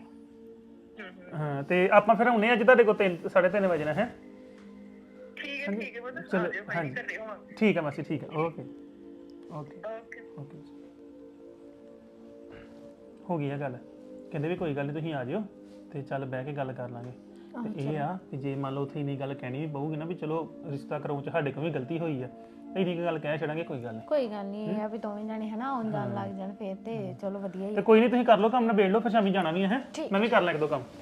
F: ਹਾਂ, ਤੇ ਆਪਾਂ ਫਿਰ ਆਉਨੇ ਅੱਜ ਤੁਹਾਡੇ ਕੋਲ 3:30 ਵਜੇ ਨਾਲ। ਹੈ
G: ਠੀਕ ਹੈ, ਠੀਕ ਹੈ ਪੁੱਤ, ਆ
F: ਚਲੋ,
G: ਜਾਓ, ਕੋਈ ਨਹੀਂ, ਕਰਦੇ ਹੋਵਾਂਗੇ।
F: ਠੀਕ ਹੈ ਮਾਸੀ, ਠੀਕ ਹੈ, ਓਕੇ ਓਕੇ
G: ਓਕੇ।
F: ਓਕੇ। ਹੋ ਗਈ ਆ ਗੱਲ, ਕਹਿੰਦੇ ਵੀ ਕੋਈ ਗੱਲ ਨਹੀਂ ਤੁਸੀਂ ਆ ਜਿਓ ਤੇ ਚੱਲ ਬਹਿ ਕੇ ਗੱਲ ਕਰ ਲਾਂਗੇ। ਤੇ ਇਹ ਆ ਕਿ ਜੇ ਮੰਨ ਲਓ ਉੱਥੇ ਇੰਨੀ ਗੱਲ ਕਹਿਣੀ ਵੀ ਪਊਗੀ ਨਾ ਵੀ ਚਲੋ ਰਿਸ਼ਤਾ ਕਰਾਉਣ ਚ ਸਾਡੇ ਕੋਲ ਵੀ ਗਲਤੀ ਹੋਈ ਆ, ਇੰਨੀ ਕੁ ਗੱਲ ਕਹਿ ਛੱਡਾਂਗੇ, ਕੋਈ ਗੱਲ ਨਹੀਂ।
C: ਕੋਈ ਗੱਲ ਨਹੀਂ, ਇਹ ਆ ਵੀ ਦੋਵੇਂ ਜਾਣੇ ਹਨਾ ਆਉਣ ਜਾਣ ਲੱਗ ਜਾਣ ਫੇਰ ਤੇ ਚਲੋ ਵਧੀਆ ਹੀ
F: ਤੇ ਕੋਈ ਨਹੀਂ, ਤੁਸੀਂ ਕਰ ਲਓ ਕੰਮ, ਨਿਬੇੜ ਲਓ, ਫਿਰ ਸ਼ਾਮੀ ਜਾਣਾ ਵੀ ਹੈ। ਮੈਂ ਵੀ ਕਰ ਲਾਂ ਇੱਕ ਦੋ ਕੰਮ।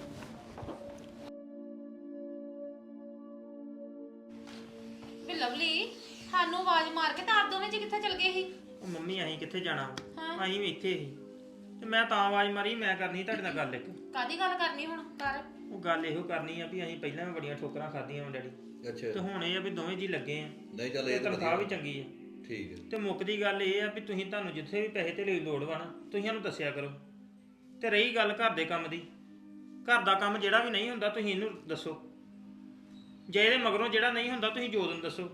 D: ਵੀ ਲਵਲੀ ਸਾਨੂੰ ਆਵਾਜ਼ ਮਾਰ ਕੇ ਤਾਂ ਆਪ ਦੋਵੇਂ ਜੀ ਕਿੱਥੇ ਚਲ ਗਏ ਸੀ?
B: ਉਹ ਮੰਮੀ ਅਸੀਂ ਕਿੱਥੇ ਜਾਣਾ? ਅਸੀਂ ਵੀ ਇੱਥੇ ਸੀ, ਤੇ ਮੈਂ ਤਾਂ ਆਵਾਜ਼ ਮਾਰੀ, ਮੈਂ ਕਰਨੀ ਤੁਹਾਡੇ ਨਾਲ ਗੱਲ ਇੱਕ।
D: ਕਾਦੀ ਗੱਲ ਕਰਨੀ ਹੁਣ ਕਰ?
B: ਉਹ ਗੱਲ ਇਹੋ ਕਰਨੀ ਆ ਵੀ ਅਸੀਂ ਪਹਿਲਾਂ ਵੀ ਬੜੀਆਂ ਠੋਕਰਾਂ ਖਾਧੀਆਂ ਵਾ ਡੈਡੀ,
E: ਅੱਛਾ,
B: ਤੇ ਹੁਣ ਇਹ ਆ ਵੀ ਦੋਵੇਂ ਜੀ ਲੱਗੇ ਆ,
E: ਨਹੀਂ ਚੱਲ
B: ਤੇ
E: ਇਹ ਤਾਂ
B: ਤਨਖਾਹ ਵੀ ਚੰਗੀ ਆ।
E: ਠੀਕ ਹੈ
B: ਤੇ ਮੁੱਕਦੀ ਗੱਲ ਇਹ ਆ ਵੀ ਤੁਹਾਨੂੰ ਜਿੱਥੇ ਵੀ ਪੈਸੇ ਤੇ ਲਈ ਲੋੜ ਵਾ ਨਾ ਤੁਸੀਂ ਸਾਨੂੰ ਦੱਸਿਆ ਕਰੋ। ਤੇ ਰਹੀ ਗੱਲ ਘਰ ਦੇ ਕੰਮ ਦੀ, ਘਰ ਦਾ ਕੰਮ ਜਿਹੜਾ ਵੀ ਨਹੀਂ ਹੁੰਦਾ ਤੁਸੀਂ ਇਹਨੂੰ ਦੱਸੋ, ਜੇ ਇਹਦੇ ਮਗਰੋਂ ਜਿਹੜਾ ਨਹੀਂ ਹੁੰਦਾ ਤੁਸੀਂ ਜੋਤ ਨੂੰ ਦੱਸੋ।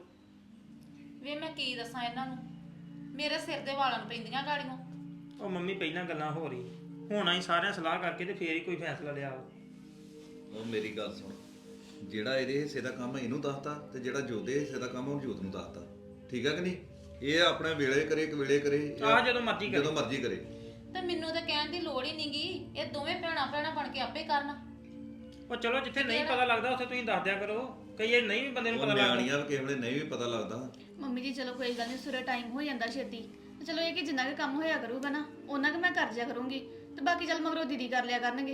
D: ਵੇ ਮੈਂ ਕੀ ਦੱਸਾਂ ਇਹਨਾਂ ਨੂੰ, ਮੇਰੇ ਸਿਰ ਦੇ ਵਾਲਾਂ ਨੂੰ ਪੈਂਦੀਆਂ ਗਾੜੀਆਂ।
B: ਉਹ ਮੰਮੀ ਪਹਿਲਾਂ ਗੱਲਾਂ ਹੋ ਰਹੀ, ਹੁਣ ਅਸੀਂ ਸਾਰਿਆਂ ਸਲਾਹ ਕਰਕੇ ਤੇ ਫੇਰ ਹੀ ਕੋਈ ਫੈਸਲਾ ਲਿਆ।
E: ਉਹ ਮੇਰੀ ਗੱਲ ਸੁਣ, ਜਿਹੜਾ ਇਹਦੇ ਹਿੱਸੇ ਦਾ ਕੰਮ ਇਹਨੂੰ ਦੱਸਤਾ ਤੇ ਜਿਹੜਾ ਜੋਦੇ ਹਿੱਸੇ ਦਾ ਕੰਮ ਉਹ ਜੋਤ ਨੂੰ ਦੱਸਤਾ, ਠੀਕ ਹੈ ਕਿ ਨਹੀਂ? ਇਹ ਆਪਣੇ ਵੇਲੇ ਕਰੇ ਕਵੇਲੇ ਕਰੇ,
B: ਜਦੋਂ ਮਰਜ਼ੀ ਕਰੇ,
E: ਜਦੋਂ ਮਰਜ਼ੀ ਕਰੇ।
D: ਤੇ ਮੈਨੂੰ ਤਾਂ ਕਹਿਣ ਦੀ ਲੋੜ ਹੀ ਨਹੀਂਗੀ, ਇਹ ਦੋਵੇਂ ਭੈਣਾਂ ਬਣ ਕੇ ਆਪੇ ਕਰਨ।
B: ਉਹ ਚਲੋ ਜਿੱਥੇ ਨਹੀਂ ਪਤਾ ਲੱਗਦਾ ਉੱਥੇ ਤੁਸੀਂ ਦੱਸ ਦਿਆ ਕਰੋ, ਕਈ ਇਹ ਨਹੀਂ ਵੀ ਬੰਦੇ ਨੂੰ
E: ਉਹ
B: ਪਤਾ ਲੱਗਦਾ।
E: ਨਿਆਣੀਆਂ ਕਿਸੇ ਵੇਲੇ ਨਹੀਂ ਵੀ ਪਤਾ ਲੱਗਦਾ।
A: ਮੰਮੀ ਜੀ ਚਲੋ ਕੋਈ ਗੱਲ ਨਹੀਂ, ਸਵੇਰੇ ਟਾਈਮ ਹੋ ਜਾਂਦਾ ਛੇਤੀ, ਤੇ ਚਲੋ ਇਹ ਕਿ ਜਿੰਨਾ ਕੁ ਕੰਮ ਹੋਇਆ ਕਰੂਗਾ ਨਾ ਉਹਨਾਂ ਕੁ ਮੈਂ ਕਰ ਜਿਆ ਕਰੂੰਗੀ, ਤੇ ਬਾਕੀ ਚੱਲ ਮਗਰੋਂ ਦੀਦੀ ਕਰ ਲਿਆ ਕਰਨਗੇ।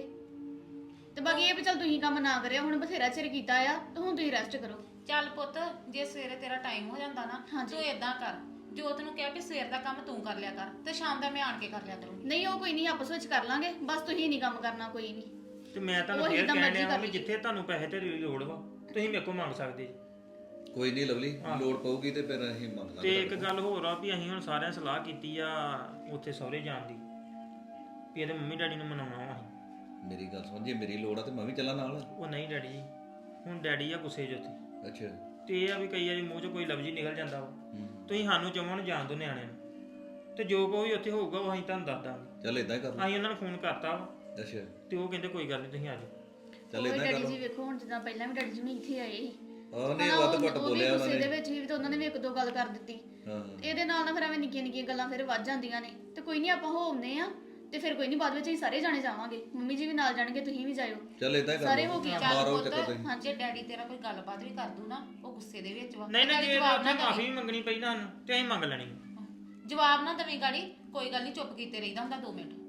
A: ਤੇ ਬਾਕੀ ਇਹ ਵੀ ਚੱਲ ਤੁਸੀਂ ਕੰਮ ਨਾ ਕਰਿਓ, ਹੁਣ ਬਥੇਰਾ ਚਿਰ ਕੀਤਾ ਆ, ਤੇ ਹੁਣ ਤੁਸੀਂ ਰੈਸਟ ਕਰੋ।
D: ਚੱਲ ਪੁੱਤ, ਜੇ ਸਵੇਰੇ ਤੇਰਾ ਟਾਈਮ ਹੋ ਜਾਂਦਾ ਨਾ
A: ਹਾਂਜੀ।
D: ਤੂੰ ਏਦਾਂ ਕਰ, ਜੋਤ ਨੂੰ ਕਹਿ ਵੀ ਸਵੇਰ ਦਾ ਕੰਮ ਤੂੰ ਕਰ ਲਿਆ ਕਰ ਤੇ ਸ਼ਾਮ ਦਾ ਮੈਂ ਆਣ ਕੇ ਕਰ ਲਿਆ ਕਰੂੰਗੀ।
A: ਨਹੀਂ ਉਹ ਕੋਈ ਨਹੀਂ, ਆਪਸ ਵਿੱਚ ਕਰ ਲਾਂਗੇ, ਬਸ ਤੁਸੀਂ ਨਹੀਂ ਕੰਮ ਕਰਨਾ ਕੋਈ ਨਹੀਂ।
B: ਤੇ ਮੈਂ ਤੁਹਾਨੂੰ
A: ਉਹੀ
B: ਫੇਰ
A: ਤਾਂ
B: ਕਹਿਣ
A: ਮਰਜ਼ੀ
B: ਡਿਆ
A: ਕਰ
B: ਵੀ
A: ਲਈ।
B: ਜਿੱਥੇ ਤੁਹਾਨੂੰ ਪੈਸੇ ਤੇ ਲੋੜ ਵਾ ਤੁਸੀਂ ਮੇਰੇ ਕੋਲ ਮੰਗ ਸਕਦੇ ਜੀ।
E: ਕੋਈ ਨਹੀਂ ਲਵਲੀ, ਲੋੜ ਪਊਗੀ ਤੇ ਫਿਰ ਅਸੀਂ ਮੰਗ ਲਾਂਗੇ।
B: ਤੇ ਇੱਕ ਗੱਲ ਹੋਰ ਆ ਵੀ ਅਸੀਂ ਹੁਣ ਸਾਰਿਆਂ ਸਲਾਹ ਕੀਤੀ ਆ ਉੱਥੇ ਸਹੁਰੇ ਜਾਣ ਦੀ, ਵੀ ਇਹਦੇ ਮੰਮੀ ਡੈਡੀ ਨੂੰ ਮਨਾਉਣਾ ਵਾ ਅਸੀਂ।
E: ਮੇਰੀ ਗੱਲ ਸੁਣ, ਜੇ ਮੇਰੀ ਲੋੜ ਆ ਤੇ ਮੈਂ ਵੀ ਚੱਲਾਂ ਨਾਲ।
B: ਉਹ ਨਹੀਂ ਡੈਡੀ ਜੀ, ਹੁਣ ਡੈਡੀ ਆ ਗੁੱਸੇ 'ਚ ਉੱਥੇ,
E: ਅੱਛਾ।
B: ਤੇ ਇਹ ਆ ਵੀ ਕਈ ਵਾਰੀ ਮੂੰਹ 'ਚੋਂ ਕੋਈ ਲਫ਼ਜ਼ ਹੀ ਨਿਕਲ ਜਾਂਦਾ ਵਾ। ਤੁਸੀਂ ਸਾਨੂੰ ਚਵਾਂ ਨੂੰ ਜਾਣ ਦੋ ਨਿਆਣਿਆਂ ਨੂੰ, ਤੇ ਜੋ ਕੋਈ ਉੱਥੇ ਹੋਊਗਾ ਉਹ ਅਸੀਂ ਤੁਹਾਨੂੰ ਦੱਸ ਦਾਂਗੇ।
E: ਚੱਲ ਇਦਾਂ ਹੀ ਕਰ ਲਾ।
B: ਅਸੀਂ ਉਹਨਾਂ ਨੂੰ ਫੋਨ ਕਰਤਾ ਵਾ,
E: ਅੱਛਾ
B: ਤੇ ਉਹ ਕਹਿੰਦੇ ਕੋਈ ਗੱਲ ਨਹੀਂ ਤੁਸੀਂ ਆ ਜਾਓ।
E: ਚੱਲ
A: ਉਹ
E: ਇਦਾਂ ਕਰ
A: ਡੈਡੀ
E: ਲਾ।
A: ਜੀ ਵੇਖੋ ਹੁਣ ਜਿੱਦਾਂ ਪਹਿਲਾਂ ਵੀ ਡੈਡੀ ਜੀ ਨੂੰ ਇੱਥੇ ਆਏ ਸੀ,
E: ਉਹਨੇ
A: ਹਨਾ,
E: ਵੱਧ
A: ਉਹ-
E: ਘੱਟ
A: ਉਹ ਵੀ
E: ਬੋਲਿਆ
A: ਗੁੱਸੇ
E: ਉਹਨਾਂ
A: ਦੇ
E: ਨੇ।
A: ਵਿੱਚ ਵੀ ਤੇ ਉਹਨਾਂ ਨੇ ਵੀ ਇੱਕ ਦੋ ਗੱਲ ਕਰ ਦਿੱਤੀ।
E: ਹਾਂ
A: ਇਹਦੇ ਨਾਲ ਨਾ ਫਿਰ ਐਵੇਂ ਨਿੱਕੀਆਂ ਨਿੱਕੀਆਂ ਗੱਲਾਂ ਫਿਰ ਵੱਧ ਜਾਂਦੀਆਂ ਨੇ, ਤੇ ਕੋਈ ਨਹੀਂ ਆਪਾਂ ਹੋਵਨੇ ਆ, ਤੇ ਫਿਰ ਕੋਈ ਨਹੀਂ ਬਾਅਦ ਵਿੱਚ ਅਸੀਂ ਸਾਰੇ ਜਾਣੇ ਜਾਵਾਂਗੇ, ਮੰਮੀ ਜੀ ਵੀ ਨਾਲ ਜਾਣਗੇ, ਤੁਸੀਂ ਵੀ ਜਾਇਓ।
E: ਚੱਲ ਇਦਾਂ ਹੀ ਕਰ
A: ਸਾਰੇ
E: ਲਾ।
A: ਹੋ ਗਏ ਆ।
D: ਚੱਲ
E: ਮਾਰੋ
D: ਪੁੱਤ,
E: ਚੱਕਰ ਤੁਸੀਂ।
D: ਜੇ ਡੈਡੀ ਤੇਰਾ ਕੋਈ ਗੱਲਬਾਤ ਵੀ ਕਰ ਦੂ ਨਾ, ਉਹ ਗੁੱਸੇ ਦੇ ਵਿੱਚ ਵਾ।
B: ਨਹੀਂ
D: ਤੇ
B: ਨਹੀਂ, ਜੇ
D: ਜਵਾਬ ਨਾ
B: ਉੱਥੇ ਮਾਫੀ
D: ਦੇਵੀਂ।
B: ਵੀ ਮੰਗਣੀ ਪਈ ਨਾ ਤੇ ਅਸੀਂ ਮੰਗ ਲੈਣੀ।
D: ਜਵਾਬ ਨਾ ਦੇਵੀਂ ਗਾੜੀ, ਕੋਈ ਗੱਲ ਨਹੀਂ, ਚੁੱਪ ਕੀਤੇ ਰਹੀਦਾ ਹੁੰਦਾ 2 ਮਿੰਟ।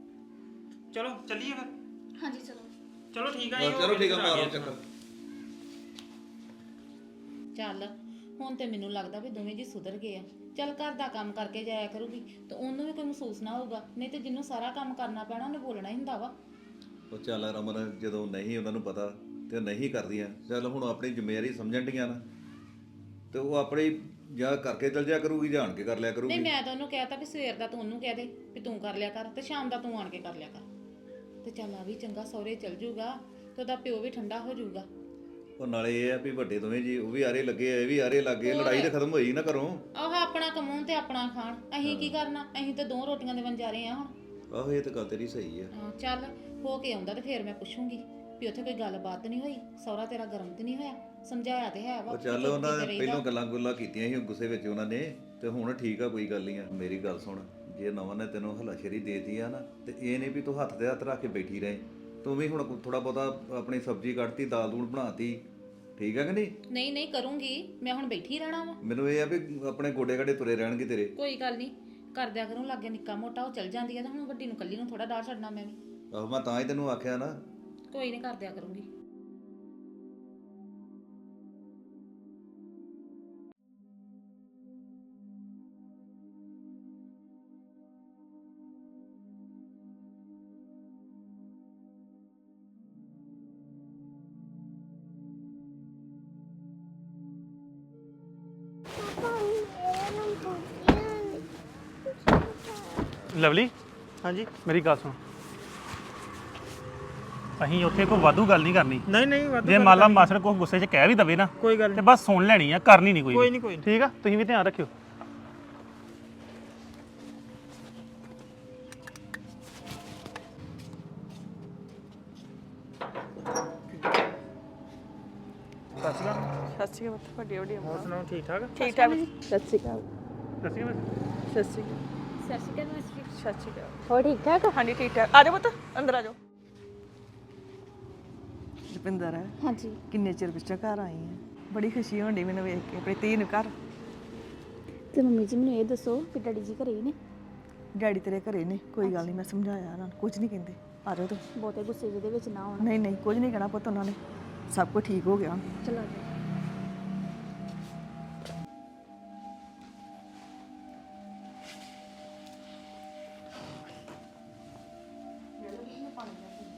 B: ਚਲੋ ਚੱਲੀਏ ਫਿਰ।
A: ਹਾਂਜੀ ਚਲੋ।
B: ਚਲੋ ਠੀਕ ਆ
E: ਚਲੋ ਠੀਕ ਆ, ਮਾਰੋ
B: ਗਏ
E: ਚੱਕਰ।
D: ਚੱਲ ਹੁਣ ਤੇ ਮੈਨੂੰ ਲੱਗਦਾ ਵੀ ਦੋਵੇਂ ਜੀ ਸੁਧਰ ਗਏ ਆ। ਚੱਲ ਘਰ ਦਾ ਕੰਮ ਕਰਕੇ ਜਾਇਆ ਕਰੂਗੀ ਤੇ ਉਹਨੂੰ ਵੀ ਕੋਈ ਮਹਿਸੂਸ ਨਾ ਹੋਊਗਾ, ਨਹੀਂ ਤੇ ਜਿਹਨੂੰ ਸਾਰਾ ਕੰਮ ਕਰਨਾ ਪੈਣਾ ਉਹਨੇ ਬੋਲਣਾ ਹੀ ਹੁੰਦਾ ਵਾ।
E: ਉਹ ਚੱਲ ਰਮਨ, ਜਦੋਂ ਨਹੀਂ ਉਹਨਾਂ ਨੂੰ ਪਤਾ ਤੇ ਉਹ ਨਹੀਂ ਕਰਦੀਆਂ, ਚੱਲ ਹੁਣ ਆਪਣੀ ਜ਼ਿੰਮੇਵਾਰੀ ਸਮਝਣ ਡੀਆਂ ਨਾ, ਤੇ ਉਹ ਆਪਣੀ ਜਾਂ ਕਰਕੇ ਚਲ ਜਾ ਕਰੂਗੀ, ਜਾਣ ਕੇ ਕਰ ਲਿਆ
D: ਨਹੀਂ,
E: ਕਰੂਗੀ।
D: ਮੈਂ ਤਾਂ ਉਹਨੂੰ ਕਹਿਤਾ ਵੀ ਸਵੇਰ ਦਾ ਤੂੰ ਉਹਨੂੰ ਕਹਿ ਦੇ ਵੀ ਤੂੰ ਕਰ ਲਿਆ ਕਰ, ਤੇ ਸ਼ਾਮ ਦਾ ਤੂੰ ਆਣ ਕੇ ਕਰ ਲਿਆ ਕਰ। ਤੇ ਚੱਲ ਆ ਵੀ ਚੰਗਾ, ਸਹੁਰੇ ਚਲ ਜੂਗਾ ਤੇ ਉਹਦਾ ਪਿਓ ਵੀ ਠੰਡਾ ਹੋ ਜਾਊਗਾ।
E: ਉਹ ਨਾਲੇ ਇਹ ਆ ਵੀ ਵੱਡੇ ਦੋਵੇਂ ਜੀ ਉਹ ਵੀ ਆਰੇ ਲੱਗੇ ਆ, ਇਹ ਵੀ ਆਰੇ ਲੱਗੇ, ਲੜਾਈ ਤਾਂ ਖਤਮ ਹੋਈ ਨਾ ਘਰੋਂ।
D: ਆਹ ਆਪਣਾ ਕਮਾਉਣ ਤੇ ਆਪਣਾ ਖਾਣ, ਅਸੀਂ ਕੀ ਕਰਨਾ? ਅਸੀਂ ਤਾਂ 2 ਰੋਟੀਆਂ ਦੇ ਵੰਜਾਰੇ ਆ ਹੁਣ।
E: ਆਹੋ ਇਹ ਤਾਂ ਗੱਲ ਤੇਰੀ ਸਹੀ ਆ।
D: ਹਾਂ, ਚੱਲ ਹੋ ਕੇ ਆਉਂਦਾ ਤੇ ਫੇਰ ਮੈਂ ਪੁੱਛੂੰਗੀ ਵੀ ਉੱਥੇ ਕੋਈ ਗੱਲਬਾਤ ਨਹੀਂ ਹੋਈ, ਸਹੁਰਾ ਤੇਰਾ ਗਰਮ ਤੇ ਨਹੀਂ ਹੋਇਆ? ਸਮਝਾਇਆ ਤੇ ਹੈ ਵਾ।
E: ਉਹ ਚੱਲ ਉਹਨਾਂ ਨੇ ਪਹਿਲਾਂ ਗੱਲਾਂ ਗੁੱਲਾਂ ਕੀਤੀਆਂ ਸੀ ਗੁੱਸੇ ਵਿੱਚ ਉਹਨਾਂ ਨੇ, ਤੇ ਹੁਣ ਠੀਕ ਆ, ਕੋਈ ਗੱਲ ਨਹੀਂ ਆ। ਮੇਰੀ ਗੱਲ ਸੁਣ, ਜੇ ਨਵਾਂ ਨੇ ਤੈਨੂੰ ਹਲਾਸ਼ੇਰੀ ਦੇਤੀ ਆ ਨਾ, ਤੇ ਇਹ ਨਹੀਂ ਵੀ ਤੂੰ ਹੱਥ ਤੇ ਹੱਥ ਰੱਖ ਕੇ ਬੈਠੀ ਰਹੇ, ਤੂੰ ਵੀ ਹੁਣ ਥੋੜਾ ਬਹੁਤਾ ਆਪਣੀ ਸਬਜ਼ੀ ਕੱਢਤੀ, ਦਾਲ ਦੂਲ ਬਣਾਤੀ, ਠੀਕ ਆ ਕਿ ਨਹੀਂ?
D: ਨਹੀਂ ਨਹੀਂ ਕਰੂੰਗੀ, ਮੈਂ ਹੁਣ ਬੈਠੀ ਰਹਿਣਾ ਵਾ।
E: ਮੈਨੂੰ ਇਹ ਆ ਵੀ ਆਪਣੇ ਗੋਡੇ ਗਾਡੇ ਤੁਰੇ ਰਹਿਣਗੇ ਤੇਰੇ।
D: ਕੋਈ ਗੱਲ ਨਹੀਂ, ਕਰਦਿਆ ਕਰੂੰ ਲਾਗੇ ਨਿੱਕਾ ਮੋਟਾ, ਉਹ ਚਲ ਜਾਂਦੀ ਆ ਤਾਂ ਹੁਣ ਵੱਡੀ ਨੂੰ ਕੱਲੀ ਨੂੰ ਥੋੜਾ ਡਾਹ ਛੱਡਣਾ ਮੈਂ ਵੀ।
E: ਆਹੋ ਮੈਂ ਤਾਂ ਹੀ ਤੈਨੂੰ ਆਖਿਆ ਨਾ।
D: ਕੋਈ ਨਹੀਂ, ਕਰਦਿਆ ਕਰੂੰਗੀ।
F: ਲਵਲੀ,
B: ਹਾਂਜੀ।
F: ਮੇਰੀ ਗੱਲ ਸੁਣ, ਅਸੀਂ ਉੱਥੇ ਕੋਈ ਵਾਧੂ ਗੱਲ ਨਹੀਂ ਕਰਨੀ।
B: ਨਹੀਂ ਨਹੀਂ,
F: ਜੇ ਮੰਨ ਲਾ ਮਾਸੜ ਕੋ ਗੁੱਸੇ 'ਚ ਕਹਿ ਵੀ ਦਵੇ ਨਾ,
B: ਕੋਈ ਗੱਲ
F: ਤੇ ਬਸ ਸੁਣ ਲੈਣੀ ਆ, ਕਰਨੀ ਨਹੀਂ ਕੋਈ
B: ਕੋਈ
F: ਵੀ।
B: ਨਹੀਂ, ਕੋਈ ਨਹੀਂ।
F: ਠੀਕ ਆ, ਤੁਸੀਂ ਵੀ ਧਿਆਨ ਰੱਖਿਓ।
B: ਸਤਿ ਸ਼੍ਰੀ ਅਕਾਲ।
H: ਸਤਿ ਸ਼੍ਰੀ ਅਕਾਲ, ਵੱਡੀ ਵੱਡੀ
B: ਹੋਰ ਸੁਣਾਓ, ਠੀਕ ਠਾਕ?
H: ਠੀਕ ਠਾਕ। ਸਤਿ ਸ਼੍ਰੀ ਅਕਾਲ।
F: ਦੱਸੀ ਬਸ।
H: ਸਤਿ ਸ਼੍ਰੀ ਅਕਾਲ।
C: ਸਤਿ ਸ਼੍ਰੀ ਅਕਾਲ ਮਾਸਟਰ।
H: ਸਤਿ ਸ਼੍ਰੀ ਅਕਾਲ।
C: ਹੋ ਠੀਕ ਠਾਕ?
H: ਹਾਂਜੀ ਠੀਕ ਠਾਕ। ਆ ਜਾਓ ਪੁੱਤ, ਅੰਦਰ ਆ ਜਾਓ। ਰੁਪਿੰਦਰ,
A: ਹਾਂਜੀ।
H: ਕਿੰਨੇ ਚਿਰ ਪਿੱਛੋਂ ਘਰ ਆਈ ਹੈ, ਬੜੀ ਖੁਸ਼ੀ ਹੋਣੀ ਮੈਨੂੰ ਵੇਖ ਕੇ ਆਪਣੀ ਧੀ ਨੂੰ ਘਰ।
A: ਤੇ ਮੰਮੀ ਜੀ ਮੈਨੂੰ ਇਹ ਦੱਸੋ ਕਿ ਡੈਡੀ ਜੀ ਘਰੇ ਹੀ ਨੇ?
H: ਡੈਡੀ ਤੇਰੇ ਘਰੇ ਨੇ, ਕੋਈ ਗੱਲ ਨਹੀਂ, ਮੈਂ ਸਮਝਾਇਆ ਉਹਨਾਂ ਨੂੰ, ਕੁਝ ਨਹੀਂ ਕਹਿੰਦੇ। ਆ ਜਾਓ ਤੂੰ।
A: ਬਹੁਤੇ ਗੁੱਸੇ ਜਿਹੇ ਦੇ ਵਿੱਚ ਨਾ ਆਉਣਾ।
H: ਨਹੀਂ ਨਹੀਂ, ਕੁਝ ਨਹੀਂ ਕਹਿਣਾ ਪੁੱਤ, ਉਹਨਾਂ ਨੇ ਸਭ ਕੁਝ ਠੀਕ ਹੋ ਗਿਆ ਹੁਣ।
A: ਚਲੋ ਆ ਜਾਓ।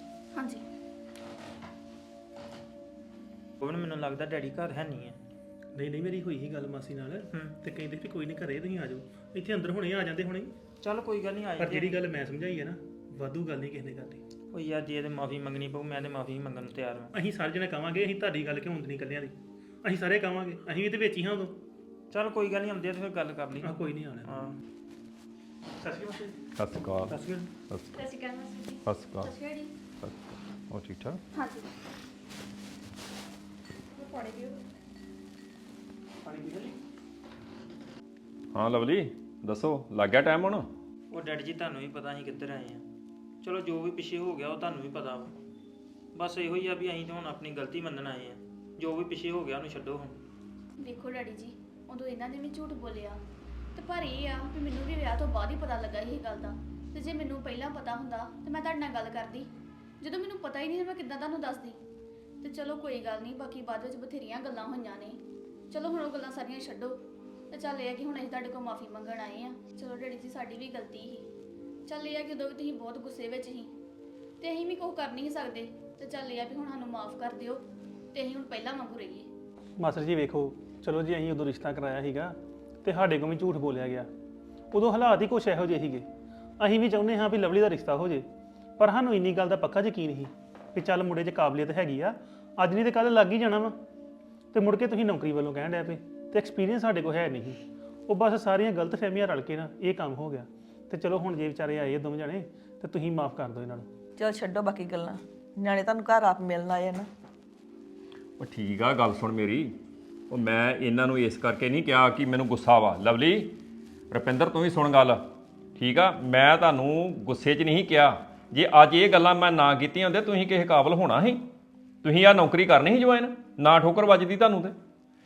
A: ਹਾਂਜੀ।
B: ਉਹ ਮੈਨੂੰ ਲੱਗਦਾ ਡੈਡੀ ਘਰ ਹੈ ਨਹੀਂ ਹੈ।
F: ਨਹੀਂ ਨਹੀਂ ਮੇਰੀ ਹੋਈ ਹੀ ਗੱਲ ਮਾਸੀ ਨਾਲ ਤੇ ਕਹਿੰਦੇ ਵੀ ਕੋਈ ਨਹੀਂ ਘਰੇ ਤੁਸੀਂ ਆ ਜਾਓ ਇੱਥੇ ਅੰਦਰ ਹੁਣੇ ਆ ਜਾਂਦੇ ਹੁਣੇ
B: ਚੱਲ ਕੋਈ ਗੱਲ ਨਹੀਂ ਆਏ
F: ਪਰ ਜਿਹੜੀ ਗੱਲ ਮੈਂ ਸਮਝਾਈ ਹੈ ਨਾ ਵਾਧੂ ਗੱਲ ਨਹੀਂ ਕਿਸੇ ਨੇ ਕਰਨੀ
B: ਉਹ ਯਾਰ ਜੇ ਤੇ ਮਾਫੀ ਮੰਗਣੀ ਪਊ ਮੈਂ ਤੇ ਮਾਫੀ ਮੰਗਣ ਨੂੰ ਤਿਆਰ ਹਾਂ।
F: ਅਸੀਂ ਸਾਰੇ ਜਣੇ ਕਵਾਂਗੇ ਅਸੀਂ ਤੁਹਾਡੀ ਗੱਲ ਕਿਉਂ ਹੁੰਦੀ ਨਹੀਂ ਕੱਲਿਆਂ ਦੀ ਅਸੀਂ ਸਾਰੇ ਕਵਾਂਗੇ ਅਸੀਂ ਵੀ ਤੇ ਵਿੱਚ ਹੀ ਹਾਂ ਉਦੋਂ
B: ਚੱਲ ਕੋਈ ਗੱਲ ਨਹੀਂ ਆਉਂਦੇ ਤੇ ਫਿਰ ਗੱਲ ਕਰ ਲਈ
F: ਆ ਕੋਈ ਨਹੀਂ ਆਉਣਾ
B: ਹਾਂ
F: ਸਤਿ ਸ਼੍ਰੀ ਅਕਾਲ
I: ਸਤਿ ਸ਼੍ਰੀ ਅਕਾਲ
F: ਸਤਿ ਸ਼੍ਰੀ ਅਕਾਲ
A: ਸਤਿ ਸ਼੍ਰੀ ਅਕਾਲ ਮਾਸੀ ਜੀ।
I: ਸਤਿ ਸ਼੍ਰੀ ਅਕਾਲ
A: ਸਤਿ ਸ਼੍ਰੀ ਅਕਾਲ ਜੀ।
I: ਹੋਰ ਠੀਕ ਠਾਕ
A: ਹਾਂਜੀ ਪੜੇ ਦਿਓ।
F: ਪਾਣੀ ਪੀ ਲਈ
I: ਹਾਂ ਲਵਲੀ ਦੱਸੋ ਲੱਗ ਗਿਆ ਟਾਈਮ ਹੁਣ
B: ਉਹ ਡੈਡੀ ਜੀ ਤੁਹਾਨੂੰ ਵੀ ਪਤਾ ਅਸੀਂ ਕਿੱਧਰ ਆਏ ਆ ਚਲੋ ਜੋ ਵੀ ਪਿੱਛੇ ਹੋ ਗਿਆ ਉਹ ਤੁਹਾਨੂੰ ਵੀ ਪਤਾ ਵਾ ਬਸ ਇਹੋ ਹੀ ਆ ਵੀ ਅਸੀਂ ਤਾਂ ਹੁਣ ਆਪਣੀ ਗਲਤੀ ਮੰਨਣ ਆਏ ਆ ਜੋ ਵੀ ਪਿੱਛੇ ਹੋ ਗਿਆ ਉਹਨੂੰ ਛੱਡੋ ਹੁਣ
A: ਦੇਖੋ ਡੈਡੀ ਜੀ ਉਦੋਂ ਇਹਨਾਂ ਨੇ ਵੀ ਝੂਠ ਬੋਲਿਆ ਤੇ ਪਰ ਇਹ ਆ ਕਿ ਮੈਨੂੰ ਵੀ ਵਿਆਹ ਤੋਂ ਬਾਅਦ ਹੀ ਪਤਾ ਲੱਗਾ ਇਹ ਗੱਲ ਦਾ ਤੇ ਜੇ ਮੈਨੂੰ ਪਹਿਲਾਂ ਪਤਾ ਹੁੰਦਾ ਤੇ ਮੈਂ ਤੁਹਾਡੇ ਨਾਲ ਗੱਲ ਕਰਦੀ ਜਦੋਂ ਮੈਨੂੰ ਪਤਾ ਹੀ ਨਹੀਂ ਮੈਂ ਕਿੱਦਾਂ ਤੁਹਾਨੂੰ ਦੱਸਦੀ ਤੇ ਚਲੋ ਕੋਈ ਗੱਲ ਨਹੀਂ ਬਾਕੀ ਬਾਅਦ ਵਿੱਚ ਬਥੇਰੀਆਂ ਗੱਲਾਂ ਹੋਈਆਂ ਨੇ ਚਲੋ ਹੁਣ ਉਹ ਗੱਲਾਂ ਸਾਰੀਆਂ ਛੱਡੋ ਤੇ ਚੱਲ ਇਹ ਆ ਕਿ ਹੁਣ ਅਸੀਂ ਤੁਹਾਡੇ ਕੋਲ ਮਾਫੀ ਮੰਗਣ ਆਏ ਆ ਚਲੋ ਡੈਡੀ ਜੀ ਸਾਡੀ ਵੀ ਗਲਤੀ ਸੀ ਚੱਲ ਇਹ ਆ ਕਿ ਉਦੋਂ ਵੀ ਤੁਸੀਂ ਬਹੁਤ ਗੁੱਸੇ ਵਿੱਚ ਸੀ ਤੇ ਅਸੀਂ ਵੀ ਕੁਝ ਕਰ ਨਹੀਂ ਸਕਦੇ ਤੇ ਚੱਲ ਇਹ ਆ ਵੀ ਹੁਣ ਸਾਨੂੰ ਮਾਫ ਕਰ ਦਿਓ ਤੇ ਅਸੀਂ ਹੁਣ ਪਹਿਲਾਂ ਵਾਂਗੂ ਰਹੀਏ
F: ਮਾਸਟਰ ਜੀ ਵੇਖੋ ਚਲੋ ਜੀ ਅਸੀਂ ਉਦੋਂ ਰਿਸ਼ਤਾ ਕਰਾਇਆ ਸੀਗਾ ਤੇ ਸਾਡੇ ਕੋਲ ਵੀ ਝੂਠ ਬੋਲਿਆ ਗਿਆ ਉਦੋਂ ਹਾਲਾਤ ਹੀ ਕੁਛ ਇਹੋ ਜਿਹੇ ਸੀਗੇ ਅਸੀਂ ਵੀ ਚਾਹੁੰਦੇ ਹਾਂ ਵੀ ਲਵਲੀ ਦਾ ਰਿਸ਼ਤਾ ਹੋ ਜੇ ਪਰ ਸਾਨੂੰ ਇੰਨੀ ਗੱਲ ਦਾ ਪੱਕਾ ਯਕੀਨ ਸੀ ਵੀ ਚੱਲ ਮੁੰਡੇ 'ਚ ਕਾਬਲੀਅਤ ਹੈਗੀ ਆ ਅੱਜ ਨਹੀਂ ਤੇ ਕੱਲ ਲੱਗ ਹੀ ਜਾਣਾ ਵਾ ਤੇ ਮੁੜ ਕੇ ਤੁਸੀਂ ਨੌਕਰੀ ਵੱਲੋਂ ਕਹਿਣ ਡਿਆ ਪਏ ਤੇ ਐਕਸਪੀਰੀਅੰਸ ਸਾਡੇ ਕੋਲ ਹੈ ਨਹੀਂ ਉਹ ਬਸ ਸਾਰੀਆਂ ਗਲਤ ਫਹਿਮੀਆਂ ਰਲ ਕੇ ਨਾ ਇਹ ਕੰਮ ਹੋ ਗਿਆ ਤੇ ਚਲੋ ਹੁਣ ਜੇ ਵਿਚਾਰੇ ਆਏ ਦੋਵੇਂ ਜਣੇ ਤੇ ਤੁਸੀਂ ਮਾਫ ਕਰ ਦਿਓ ਇਹਨਾਂ ਨੂੰ
H: ਚਲ ਛੱਡੋ ਬਾਕੀ ਗੱਲਾਂ ਨਿਆਣੇ ਤੁਹਾਨੂੰ ਘਰ ਆਪ ਮਿਲਣ ਆਏ ਨਾ
I: ਉਹ ਠੀਕ ਆ ਗੱਲ ਸੁਣ ਮੇਰੀ ਉਹ ਮੈਂ ਇਹਨਾਂ ਨੂੰ ਇਸ ਕਰਕੇ ਨਹੀਂ ਕਿਹਾ ਕਿ ਮੈਨੂੰ ਗੁੱਸਾ ਵਾ ਲਵਲੀ ਰੁਪਿੰਦਰ ਤੂੰ ਵੀ ਸੁਣ ਗੱਲ ਠੀਕ ਆ ਮੈਂ ਤੁਹਾਨੂੰ ਗੁੱਸੇ 'ਚ ਨਹੀਂ ਕਿਹਾ ਜੇ ਅੱਜ ਇਹ ਗੱਲਾਂ ਮੈਂ ਨਾ ਕੀਤੀਆਂ ਹੁੰਦੇ ਤੁਸੀਂ ਕਿਸੇ ਕਾਬਲ ਹੋਣਾ ਸੀ ਤੁਸੀਂ ਆ ਨੌਕਰੀ ਕਰਨੀ ਸੀ ਜੁਆਇਨ ਨਾ ਠੋਕਰ ਵੱਜਦੀ ਤੁਹਾਨੂੰ ਤੇ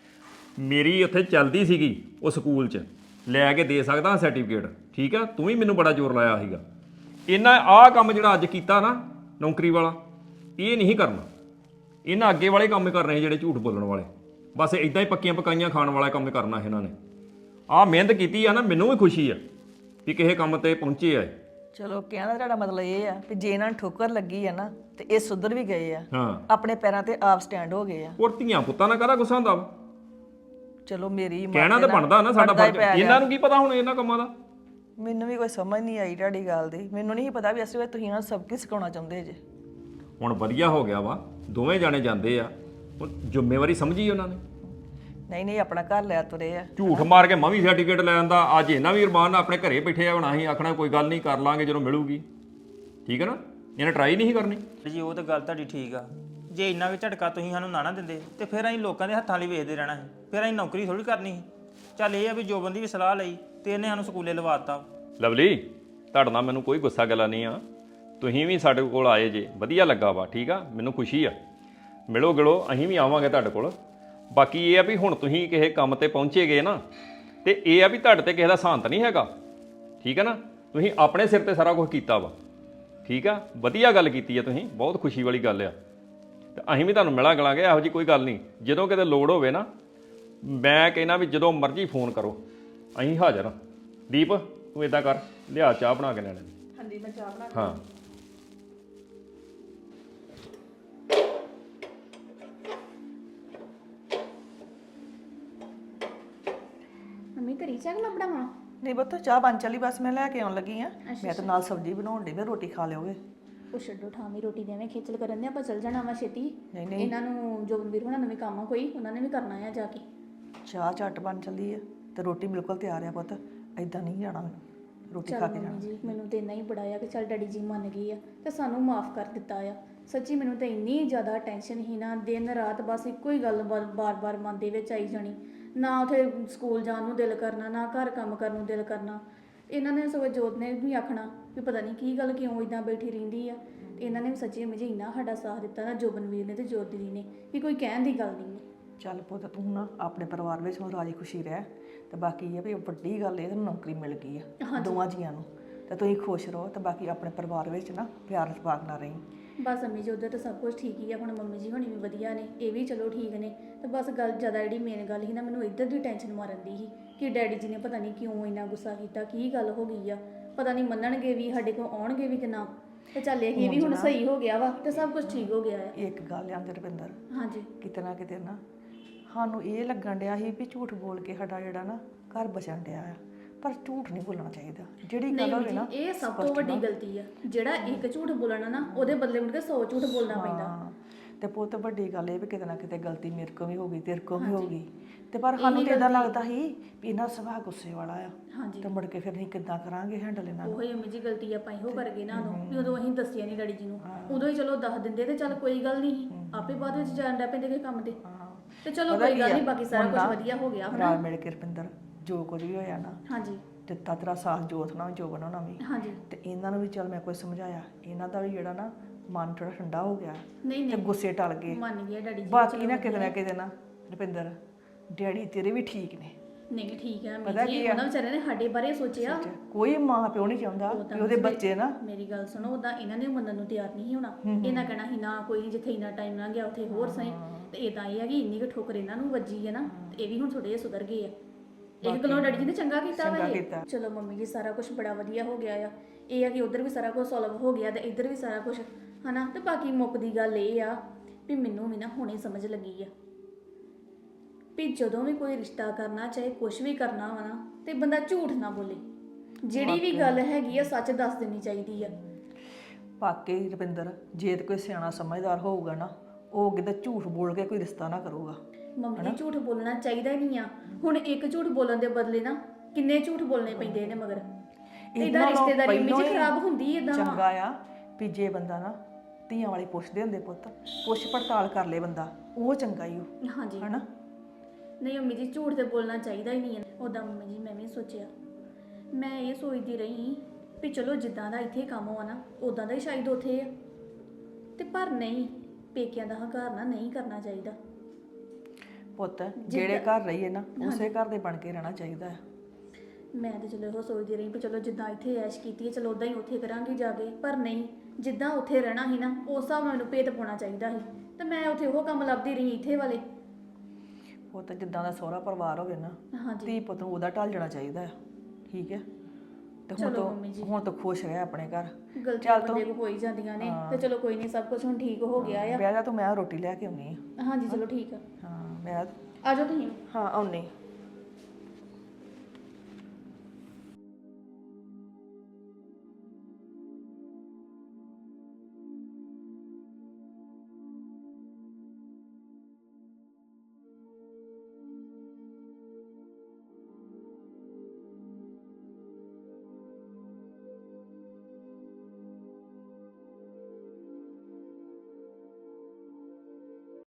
I: ਮੇਰੀ ਉੱਥੇ ਚੱਲਦੀ ਸੀਗੀ ਉਹ ਸਕੂਲ 'ਚ ਲੈ ਕੇ ਦੇ ਸਕਦਾ ਸਰਟੀਫਿਕੇਟ ਠੀਕ ਆ ਤੂੰ ਵੀ ਮੈਨੂੰ ਬੜਾ ਜ਼ੋਰ ਲਾਇਆ ਸੀਗਾ ਇਹਨਾਂ ਆਹ ਕੰਮ ਜਿਹੜਾ ਅੱਜ ਕੀਤਾ ਨਾ ਨੌਕਰੀ ਵਾਲਾ ਇਹ ਨਹੀਂ ਕਰਨਾ ਇਹਨਾਂ ਅੱਗੇ ਵਾਲੇ ਕੰਮ ਕਰਨੇ ਜਿਹੜੇ ਝੂਠ ਬੋਲਣ ਵਾਲੇ ਬਸ ਇਦਾਂ ਹੀ ਪੱਕੀਆਂ ਪਕਾਈਆਂ ਖਾਣ ਵਾਲਾ ਕੰਮ ਕਰਨਾ ਇਹਨਾਂ ਨੇ ਆਹ ਮਿਹਨਤ ਕੀਤੀ ਆ ਨਾ ਮੈਨੂੰ ਵੀ ਖੁਸ਼ੀ ਆ ਵੀ ਕਿਸੇ ਕੰਮ ਤੇ ਪਹੁੰਚੇ ਆ
H: ਚਲੋ ਕਹਿਣ ਦਾ ਤੁਹਾਡਾ ਮਤਲਬ ਇਹ ਆ ਕਿ ਜੇ ਇਹਨਾਂ ਨੂੰ ਠੋਕਰ ਲੱਗੀ ਆ ਨਾ ਤੇ ਇਹ ਸੁਧਰ ਵੀ ਗਏ ਆ
I: ਹਾਂ
H: ਆਪਣੇ ਪੈਰਾਂ ਤੇ ਆਪ ਸਟੈਂਡ ਹੋ ਗਏ ਆ
I: ਹੋਰ ਧੀਆਂ ਪੁੱਤਾਂ ਨਾਲ ਕਾਹਦਾ ਗੁੱਸਾ ਹੁੰਦਾ ਵਾ
H: ਚਲੋ ਮੇਰੀ ਮਾਂ
I: ਕਹਿਣਾ ਤਾਂ ਬਣਦਾ ਨਾ ਸਾਡਾ ਫਰਜ਼ ਇਹਨਾਂ ਨੂੰ ਕੀ ਪਤਾ ਹੁਣ ਇਹਨਾਂ ਕੰਮਾਂ ਦਾ
H: ਮੈਨੂੰ ਵੀ ਕੋਈ ਸਮਝ ਨਹੀਂ ਆਈ ਤੁਹਾਡੀ ਗੱਲ ਦੀ ਮੈਨੂੰ ਨਹੀਂ ਪਤਾ ਵੀ ਅਸਲ ਵਿੱਚ ਤੁਸੀਂ ਇਹਨਾਂ ਨੂੰ ਸਭ ਕੁਝ ਸਿਖਾਉਣਾ ਚਾਹੁੰਦੇ ਜੇ
I: ਹੁਣ ਵਧੀਆ ਹੋ ਗਿਆ ਵਾ ਦੋਵੇਂ ਜਾਣੇ ਜਾਂਦੇ ਆ ਹੁਣ ਜ਼ਿੰਮੇਵਾਰੀ ਸਮਝੀ ਉਹਨਾਂ ਨੇ
H: ਨਹੀਂ ਨਹੀਂ ਆਪਣਾ ਘਰ ਲੈ ਤੁਰੇ ਆ
I: ਝੂਠ ਮਾਰ ਕੇ ਮੈਂ ਵੀ ਸਰਟੀਫਿਕੇਟ ਲੈ ਆਂਦਾ ਅੱਜ ਇਹਨਾਂ ਵੀ ਅਰਮਾਨ ਨਾਲ ਆਪਣੇ ਘਰੇ ਬੈਠੇ ਆ ਹੁਣ ਅਸੀਂ ਆਖਣਾ ਕੋਈ ਗੱਲ ਨਹੀਂ ਕਰ ਲਾਂਗੇ ਜਦੋਂ ਮਿਲੂਗੀ ਠੀਕ ਹੈ ਨਾ ਇਹਨੇ ਟਰਾਈ ਨਹੀਂ ਕਰਨੀ
B: ਜੀ ਉਹ ਤਾਂ ਗੱਲ ਤੁਹਾਡੀ ਠੀਕ ਆ ਜੇ ਇੰਨਾ ਵੀ ਝਟਕਾ ਤੁਸੀਂ ਸਾਨੂੰ ਨਾ ਦਿੰਦੇ ਤੇ ਫਿਰ ਅਸੀਂ ਲੋਕਾਂ ਦੇ ਹੱਥਾਂ ਲਈ ਵੇਖਦੇ ਰਹਿਣਾ ਸੀ ਫਿਰ ਅਸੀਂ ਨੌਕਰੀ ਥੋੜੀ ਕਰਨੀ ਸੀ ਚੱਲ ਇਹ ਆ ਵੀ ਜੋਬਨ ਦੀ ਵੀ ਸਲਾਹ ਲਈ ਤੇ ਇਹਨੇ ਸਾਨੂੰ ਸਕੂਲੇ ਲਵਾਤਾ
I: ਲਵਲੀ ਤੁਹਾਡੇ ਨਾਲ ਮੈਨੂੰ ਕੋਈ ਗੁੱਸਾ ਗੱਲਾਂ ਨਹੀਂ ਆ ਤੁਸੀਂ ਵੀ ਸਾਡੇ ਕੋਲ ਆਏ ਜੇ ਵਧੀਆ ਲੱਗਾ ਵਾ ਠੀਕ ਆ ਮੈਨੂੰ ਖੁਸ਼ੀ ਆ ਮਿਲੋ ਗਿਲੋ ਅਸੀਂ ਵੀ ਆਵਾਂਗੇ ਤੁਹਾਡੇ ਕੋਲ ਬਾਕੀ ਇਹ ਆ ਵੀ ਹੁਣ ਤੁਸੀਂ ਕਿਸੇ ਕੰਮ ਤੇ ਪਹੁੰਚੇ ਗਏ ਨਾ ਤੇ ਇਹ ਆ ਵੀ ਤੁਹਾਡੇ ਤੇ ਕਿਸੇ ਦਾ ਸਾਂਤ ਨਹੀਂ ਹੈਗਾ ਠੀਕ ਹੈ ਨਾ ਤੁਸੀਂ ਆਪਣੇ ਸਿਰ ਤੇ ਸਾਰਾ ਕੁਝ ਕੀਤਾ ਵਾ ਠੀਕ ਆ ਵਧੀਆ ਗੱਲ ਕੀਤੀ ਆ ਤੁਸੀਂ ਬਹੁਤ ਖੁਸ਼ੀ ਵਾਲੀ ਗੱਲ ਆ ਤੇ ਅਸੀਂ ਵੀ ਤੁਹਾਨੂੰ ਮਿਲਾਂ ਗਲਾਂਗੇ ਇਹੋ ਜੀ ਕੋਈ ਗੱਲ ਨਹੀਂ ਜਦੋਂ ਕਿਤੇ ਲੋੜ ਹੋਵੇ ਨਾ ਮੈਂ ਕਹਿੰਦਾ ਵੀ ਜਦੋਂ ਮਰਜ਼ੀ ਫੋਨ ਕਰੋ ਅਸੀਂ ਹਾਜ਼ਰ ਹਾਂ ਦੀਪ ਤੂੰ ਇਦਾਂ ਕਰ ਲਿਆ ਚਾਹ ਬਣਾ ਕੇ ਲੈਣੇ
H: ਹਾਂਜੀ ਮੈਂ ਚਾਹ ਬਣਾ
I: ਹਾਂ
A: ਮੰਮੀ ਕਰੀ ਚਾਹ ਮੈਂ ਬਣਾਵਾਂ
H: ਨਹੀਂ ਬੱਤੋ ਚਾਹ ਬਣ ਚਲੀ ਬਸ ਮੈਂ ਲੈ ਕੇ ਆਉਣ ਲੱਗੀ ਆ ਮੈਂ ਤਾਂ ਨਾਲ ਸਬਜ਼ੀ ਬਣਾਉਣ ਦੀ ਮੈਂ ਰੋਟੀ ਖਾ ਲਿਓਗੇ
A: ਉਹ ਛੱਡੋ ਠਾਮੀ ਰੋਟੀ ਦੇਵੇਂ ਖੇਚਲ ਕਰਨ ਦੇ ਆਪਾਂ ਚੱਲ ਜਾਣਾ ਵਾ ਛੇਤੀ
H: ਨਹੀਂ ਨਹੀਂ
A: ਇਹਨਾਂ ਨੂੰ ਜੋਬਨਵੀਰ ਹੋਣਾ ਨੂੰ ਵੀ ਕੰਮ ਆ ਕੋਈ ਉਹਨਾਂ ਨੇ ਵੀ ਕਰਨਾ ਆ ਜਾ ਕੇ
H: ਚਾਹ ਝੱਟ ਬਣ ਚੱਲੀ ਆ ਤੇ ਰੋਟੀ ਬਿਲਕੁਲ ਤਿਆਰ ਆ ਪੁੱਤ ਐਦਾਂ ਨਹੀਂ ਜਾਣਾ ਰੋਟੀ ਖਾ
A: ਚੱਲ
H: ਕੇ ਜਾਣਾ
A: ਮੰਮੀ ਜੀ ਮੈਨੂੰ ਤੇ ਇੰਨਾ ਹੀ ਬੜਾ ਆ ਕਿ ਚੱਲ ਡੈਡੀ ਜੀ ਮੰਨ ਗਈ ਆ ਤੇ ਸਾਨੂੰ ਮਾਫ ਕਰ ਦਿੱਤਾ ਆ ਸੱਚੀ ਮੈਨੂੰ ਤਾਂ ਇੰਨੀ ਜ਼ਿਆਦਾ ਟੈਨਸ਼ਨ ਹੀ ਨਾ ਦਿਨ ਰਾਤ ਬਸ ਇੱਕੋ ਹੀ ਗੱਲ ਬਾਰ-ਬਾਰ ਮਨ ਦੇ ਵਿੱਚ ਆਈ ਜਾਣੀ ਨਾ ਉਥੇ ਸਕੂਲ ਜਾਣ ਨੂੰ ਦਿਲ ਕਰਨਾ ਨਾ ਘਰ ਕੰਮ ਕਰਨ ਨੂੰ ਦਿਲ ਕਰਨਾ ਇਹਨਾਂ ਨੇ ਸਗੋਂ ਜੋਤ ਨੇ ਵੀ ਆਖਣਾ ਵੀ ਪਤਾ ਨਹੀਂ ਕੀ ਗੱਲ ਕਿਉਂ ਇਦਾਂ ਬੈਠੀ ਰਹਿੰਦੀ ਆ ਤੇ ਇਹਨਾਂ ਨੇ ਵੀ ਸੱਚੀ ਮੁਝੇ ਇੰਨਾ ਸਾਡਾ ਸਾਥ ਦਿੱਤਾ ਨਾ ਜੋਬਨਵੀਰ ਨੇ ਤੇ ਜੋਤ ਦੀਦੀ ਨੇ ਵੀ ਕੋਈ ਕਹਿਣ ਦੀ ਗੱਲ ਨਹੀਂ
H: ਚੱਲ ਪੁੱਤ ਤੂੰ ਨਾ ਆਪਣੇ ਪਰਿਵਾਰ ਵਿੱਚ ਹੁਣ ਰਾਜੀ ਖੁਸ਼ੀ ਰਹਿ ਤੇ ਬਾਕੀ ਇਹ ਆ ਵੀ ਵੱਡੀ ਗੱਲ ਇਹ ਤੈਨੂੰ ਨੌਕਰੀ ਮਿਲ ਗਈ ਆ ਦੋਵਾਂ ਜੀਆਂ ਨੂੰ ਤੇ ਤੁਸੀਂ ਖੁਸ਼ ਰਹੋ ਤੇ ਬਾਕੀ ਆਪਣੇ ਪਰਿਵਾਰ ਵਿੱਚ ਨਾ ਪਿਆਰ ਸਪਾਕ ਨਾ ਰਹੀ
A: ਬਸ ਅੰਮੀ ਜੀ ਉੱਧਰ ਤਾਂ ਸਭ ਕੁਝ ਠੀਕ ਹੀ ਆ ਹੁਣ ਮੰਮੀ ਜੀ ਹੋਣੀ ਵੀ ਵਧੀਆ ਨੇ ਇਹ ਵੀ ਚਲੋ ਠੀਕ ਨੇ ਤੇ ਬਸ ਗੱਲ ਜ਼ਿਆਦਾ ਜਿਹੜੀ ਮੇਨ ਗੱਲ ਸੀ ਨਾ ਮੈਨੂੰ ਇੱਧਰ ਦੀ ਟੈਨਸ਼ਨ ਮਾਰਨ ਦੀ ਸੀ ਕਿ ਡੈਡੀ ਜੀ ਨੇ ਪਤਾ ਨਹੀਂ ਕਿਉਂ ਇੰਨਾ ਗੁੱਸਾ ਕੀਤਾ ਕੀ ਗੱਲ ਹੋ ਗਈ ਆ ਪਤਾ ਨਹੀਂ ਮੰਨਣਗੇ ਵੀ ਸਾਡੇ ਕੋਲ ਆਉਣਗੇ ਵੀ ਕਿ ਨਾ ਤੇ ਚੱਲ ਇਹ ਵੀ ਹੁਣ ਸਹੀ ਹੋ ਗਿਆ ਵਾ ਤੇ ਸਭ ਕੁਝ ਠੀਕ ਹੋ ਗਿਆ ਆ
H: ਇੱਕ ਗੱਲ ਆ ਰੁਪਿੰਦਰ
A: ਹਾਂਜੀ
H: ਕਿਤੇ ਨਾ ਕਿਤੇ ਨਾ ਸਾਨੂੰ ਇਹ ਲੱਗਣ ਡਿਆ ਸੀ ਵੀ ਝੂਠ ਬੋਲ ਕੇ ਸਾਡਾ ਜਿਹੜਾ ਨਾ ਘਰ ਬਚਣ ਡਿਆ ਆ, ਪਰ ਝੂਠ ਨਹੀਂ ਬੋਲਣਾ ਚਾਹੀਦਾ। ਜਿਹੜੀ ਗੱਲ ਹੋਵੇ ਨਾ
A: ਇਹ ਸਭ ਤੋਂ ਵੱਡੀ ਗਲਤੀ ਆ। ਜਿਹੜਾ ਇੱਕ ਝੂਠ ਬੋਲਣਾ ਨਾ ਉਹਦੇ ਬਦਲੇ ਮੁੜ ਕੇ 100 ਝੂਠ ਬੋਲਣਾ ਪੈਂਦਾ।
H: ਹਾਂ, ਤੇ ਪੁੱਤ ਵੱਡੀ ਗੱਲ ਇਹ ਵੀ ਕਿਤੇ ਨਾ ਕਿਤੇ ਗਲਤੀ ਮੇਰੇ ਕੋਲ ਵੀ ਹੋ ਗਈ, ਤੇਰੇ ਕੋਲ ਵੀ ਹੋ ਗਈ, ਤੇ ਪਰ ਸਾਨੂੰ ਤੇ ਇਦਾਂ ਲੱਗਦਾ ਸੀ ਵੀ ਇਹਨਾਂ ਸੁਭਾਅ ਗੁੱਸੇ ਵਾਲਾ ਆ।
A: ਹਾਂਜੀ।
H: ਤੇ ਮੁੜ ਕੇ ਫਿਰ ਅਸੀਂ ਕਿੱਦਾਂ ਕਰਾਂਗੇ ਹੈਂਡਲ ਇਹਨਾਂ ਨੂੰ।
A: ਉਹੀ ਅੰਮੀ ਜੀ ਗਲਤੀ ਆਪਾਂ ਇਹੋ ਕਰ ਗਏ ਨਾ ਉਦੋਂ ਵੀ ਉਦੋਂ ਅਸੀਂ ਦੱਸਿਆ ਨਹੀਂ ਡੈਡੀ ਜੀ ਨੂੰ। ਉਦੋਂ ਹੀ ਚਲੋ ਦੱਸ ਦਿੰਦੇ ਤੇ ਚੱਲ ਕੋਈ ਗੱਲ ਨਹੀਂ, ਆਪੇ ਬਾਅਦ ਵਿੱਚ ਜਾਣ ਡਾ ਪੈਂਦੇ ਕਿ ਕੰਮ ਤੇ। ਤੇ ਚਲੋ ਕੋਈ ਗੱਲ ਨਹੀਂ, ਬਾਕੀ ਸਾਰਾ ਕੁਝ ਵਧੀਆ ਹੋ ਗਿਆ।
H: ਰਲ ਮਿਲ ਕੇ ਰੁਪਿੰਦਰ ਜੋ ਕੁਝ ਵੀ ਹੋਇਆ ਨਾ,
A: ਹਾਂਜੀ
H: ਦਿੱਤਾ ਤੇਰਾ ਸਾਥ ਜੋਤ ਨਾਲ ਜੋ ਬਣਾਉਣਾ ਵੀ,
A: ਹਾਂਜੀ।
H: ਤੇ ਇਹਨਾਂ ਨੂੰ ਵੀ ਚੱਲ ਮੈਂ ਕੋਈ ਸਮਝਾਇਆ, ਇਹਨਾਂ ਦਾ ਵੀ ਜਿਹੜਾ ਨਾ ਮਨ ਥੋੜਾ ਠੰਡਾ ਹੋ ਗਿਆ
A: ਨਹੀਂ
H: ਤੇ
A: ਨਹੀਂ
H: ਗੁੱਸੇ ਟਲ ਗਏ।
A: ਮੰਨ ਗਿਆ ਡੈਡੀ ਜੀ।
H: ਬਾਕੀ ਨਾ ਕਿਤੇ ਨਾ ਰੁਪਿੰਦਰ ਡੈਡੀ ਤੇਰੇ ਵੀ ਠੀਕ ਨੇ।
A: ਨਹੀਂ ਠੀਕ ਹੈ
H: ਪਤਾ
A: ਅੰਮੀ
H: ਕੀ
A: ਜੀ,
H: ਆ?
A: ਉਹਨਾਂ ਵਿਚਾਰੇ ਨੇ ਸਾਡੇ ਬਾਰੇ ਸੋਚਿਆ।
H: ਕੋਈ ਮਾਂ ਪਿਓ ਨਹੀਂ ਚਾਹੁੰਦਾ ਵੀ ਉਹਦੇ ਬੱਚੇ ਨਾ।
A: ਮੇਰੀ ਗੱਲ ਸੁਣੋ, ਉਦਾਂ ਇਹਨਾਂ ਨੇ ਮੰਨਣ ਨੂੰ ਤਿਆਰ ਨਹੀਂ ਹੋਣਾ। ਇਹਨਾਂ ਕਹਿਣਾ ਸੀ ਨਾ ਕੋਈ ਨਹੀਂ, ਜਿੱਥੇ ਇੰਨਾ ਟਾਈਮ ਲੰਘ ਗਿਆ ਉੱਥੇ ਹੋਰ ਸਹੀ। ਤੇ ਇਦਾਂ ਇਹ ਆ ਕਿ ਇੰਨੀ ਕੁ ਠੋਕਰ ਇਹਨਾਂ ਨੂੰ ਵੱਜੀ ਹੈ ਨਾ, ਤੇ ਇਹ ਵੀ ਹੁਣ ਥੋੜੇ ਜਿਹੇ ਸੁਧਰ ਗਏ ਆ। ਇੱਕ ਗੱਲੋਂ ਡੈਡੀ ਜੀ ਨੇ ਚੰਗਾ ਕੀਤਾ ਵਾ ਇਹ। ਚਲੋ ਮੰਮੀ ਜੀ ਸਾਰਾ ਕੁਝ ਬੜਾ ਵਧੀਆ ਹੋ ਗਿਆ ਆ। ਇਹ ਆ ਕਿ ਉਧਰ ਵੀ ਸਾਰਾ ਕੁਝ ਸੋਲਵ ਹੋ ਗਿਆ ਤੇ ਇੱਧਰ ਵੀ ਸਾਰਾ ਕੁਝ ਹਨਾ। ਤੇ ਬਾਕੀ ਮੁੱਕਦੀ ਗੱਲ ਇਹ ਆ ਵੀ ਮੈਨੂੰ ਵੀ ਨਾ ਹੁਣੇ ਸਮਝ ਲੱਗੀ ਆ ਵੀ ਜਦੋਂ ਵੀ ਕੋਈ ਰਿਸ਼ਤਾ ਕਰਨਾ, ਚਾਹੇ ਕੁਝ ਵੀ ਕਰਨਾ ਵਾ ਨਾ, ਤੇ ਬੰਦਾ ਝੂਠ ਨਾ ਬੋਲੇ। ਜਿਹੜੀ ਵੀ ਗੱਲ ਹੈਗੀ ਆ ਸੱਚ ਦੱਸ ਦੇਣੀ ਚਾਹੀਦੀ ਆ।
H: ਵਾਕਈ ਰੁਪਿੰਦਰ, ਜੇ ਤੇ ਕੋਈ ਸਿਆਣਾ ਸਮਝਦਾਰ ਹੋਊਗਾ ਨਾ, ਉਹ ਕਿਤੇ ਝੂਠ ਬੋਲ ਕੇ ਕੋਈ ਰਿਸ਼ਤਾ ਨਾ ਕਰੂਗਾ।
A: ਮੰਮੀ ਜੀ ਝੂਠ ਬੋਲਣਾ ਚਾਹੀਦਾ ਹੀ ਨਹੀਂ ਆ। ਹੁਣ ਇੱਕ ਝੂਠ ਬੋਲਣ ਦੇ ਬਦਲੇ ਨਾ ਕਿੰਨੇ ਝੂਠ ਬੋਲਣੇ ਪੈਂਦੇ ਨੇ ਮਗਰ। ਇਹਦਾ ਰਿਸ਼ਤੇਦਾਰੀ ਵਿੱਚ ਖਰਾਬ ਹੁੰਦੀ ਏਦਾਂ।
H: ਚੰਗਾ ਆ ਵੀ ਜੇ ਬੰਦਾ ਨਾ ਧੀਆਂ ਵਾਲੇ ਪੁੱਛਦੇ ਹੁੰਦੇ ਪੁੱਤ, ਪੁੱਛ ਪੜਤਾਲ ਕਰ ਲੇ ਬੰਦਾ, ਉਹ ਚੰਗਾ ਹੀ ਉਹ।
A: ਹਾਂਜੀ
H: ਹਨਾ।
A: ਨਹੀਂ ਮੰਮੀ ਜੀ ਝੂਠ ਤੇ ਬੋਲਣਾ ਚਾਹੀਦਾ ਹੀ ਨਹੀਂ ਹੈ। ਉਦਾਂ ਮੰਮੀ ਜੀ ਮੈਂ ਵੀ ਸੋਚਿਆ, ਮੈਂ ਇਹ ਸੋਚਦੀ ਰਹੀ ਵੀ ਚਲੋ ਜਿੱਦਾਂ ਦਾ ਇੱਥੇ ਕੰਮ ਹੋਆ ਨਾ ਉਦਾਂ ਦਾ ਹੀ ਸ਼ਾਇਦ ਉੱਥੇ ਆ। ਤੇ ਪਰ ਨਹੀਂ, ਪੇਕਿਆਂ ਦਾ ਹੰਕਾਰ ਨਾ ਨਹੀਂ ਕਰਨਾ ਚਾਹੀਦਾ।
H: ਪੁੱਤ ਜਿਹੜੇ ਘਰ ਰਹੀਏ ਨਾ ਉਸੇ ਘਰ ਦੇ ਬਣ ਕੇ ਰਹਿਣਾ ਚਾਹੀਦਾ ਹੈ।
A: ਮੈਂ ਤਾਂ ਚਲੋ ਇਹੋ ਸੋਚਦੀ ਰਹੀ ਵੀ ਚਲੋ ਜਿੱਦਾਂ ਇੱਥੇ ਐਸ਼ ਕੀਤੀ ਹੈ ਚਲੋ ਉਦਾਂ ਹੀ ਉੱਥੇ ਕਰਾਂਗੇ ਜਾ ਕੇ। ਪਰ ਨਹੀਂ, ਜਿੱਦਾਂ ਉੱਥੇ ਰਹਿਣਾ ਸੀ ਨਾ ਉਸ ਹਿਸਾਬ ਨਾਲ ਮੈਨੂੰ ਭੇਤ ਪਾਉਣਾ ਚਾਹੀਦਾ ਸੀ। ਤੇ ਮੈਂ ਉੱਥੇ ਉਹ ਕੰਮ ਲੱਭਦੀ ਰਹੀ ਇੱਥੇ ਵਾਲੇ।
H: ਪੁੱਤ ਜਿੱਦਾਂ ਦਾ ਸਹੁਰਾ ਪਰਿਵਾਰ ਹੋਵੇ ਨਾ,
A: ਹਾਂਜੀ
H: ਧੀ ਪੁੱਤ ਨੂੰ ਉਹਦਾ ਢਲ ਜਾਣਾ ਚਾਹੀਦਾ ਹੈ। ਠੀਕ ਹੈ। ਤੇ
A: ਚਲੋ ਮੰਮੀ ਜੀ,
H: ਹੁਣ ਤਾਂ ਖੁਸ਼ ਰਹਿ ਆਪਣੇ ਘਰ।
A: ਗਲਤੀਆਂ ਬੰਦੇ ਕੋ ਹੋ ਹੀ ਜਾਂਦੀਆਂ ਨੇ। ਤੇ ਚਲੋ ਕੋਈ ਨਹੀਂ, ਸਭ ਕੁਝ ਹੁਣ ਠੀਕ ਹੋ ਗਿਆ ਆ।
H: ਬਹਿ ਜਾ ਤੂੰ, ਮੈਂ ਰੋਟੀ ਲੈ ਕੇ ਆਉਣੀ ਆ।
A: ਹਾਂਜੀ ਚਲੋ ਠੀਕ ਆ।
H: ਹਾਂ ਮੈਂ
A: ਆ ਜਾਓ ਤੁਸੀਂ।
H: ਹਾਂ ਆਉਣੀ।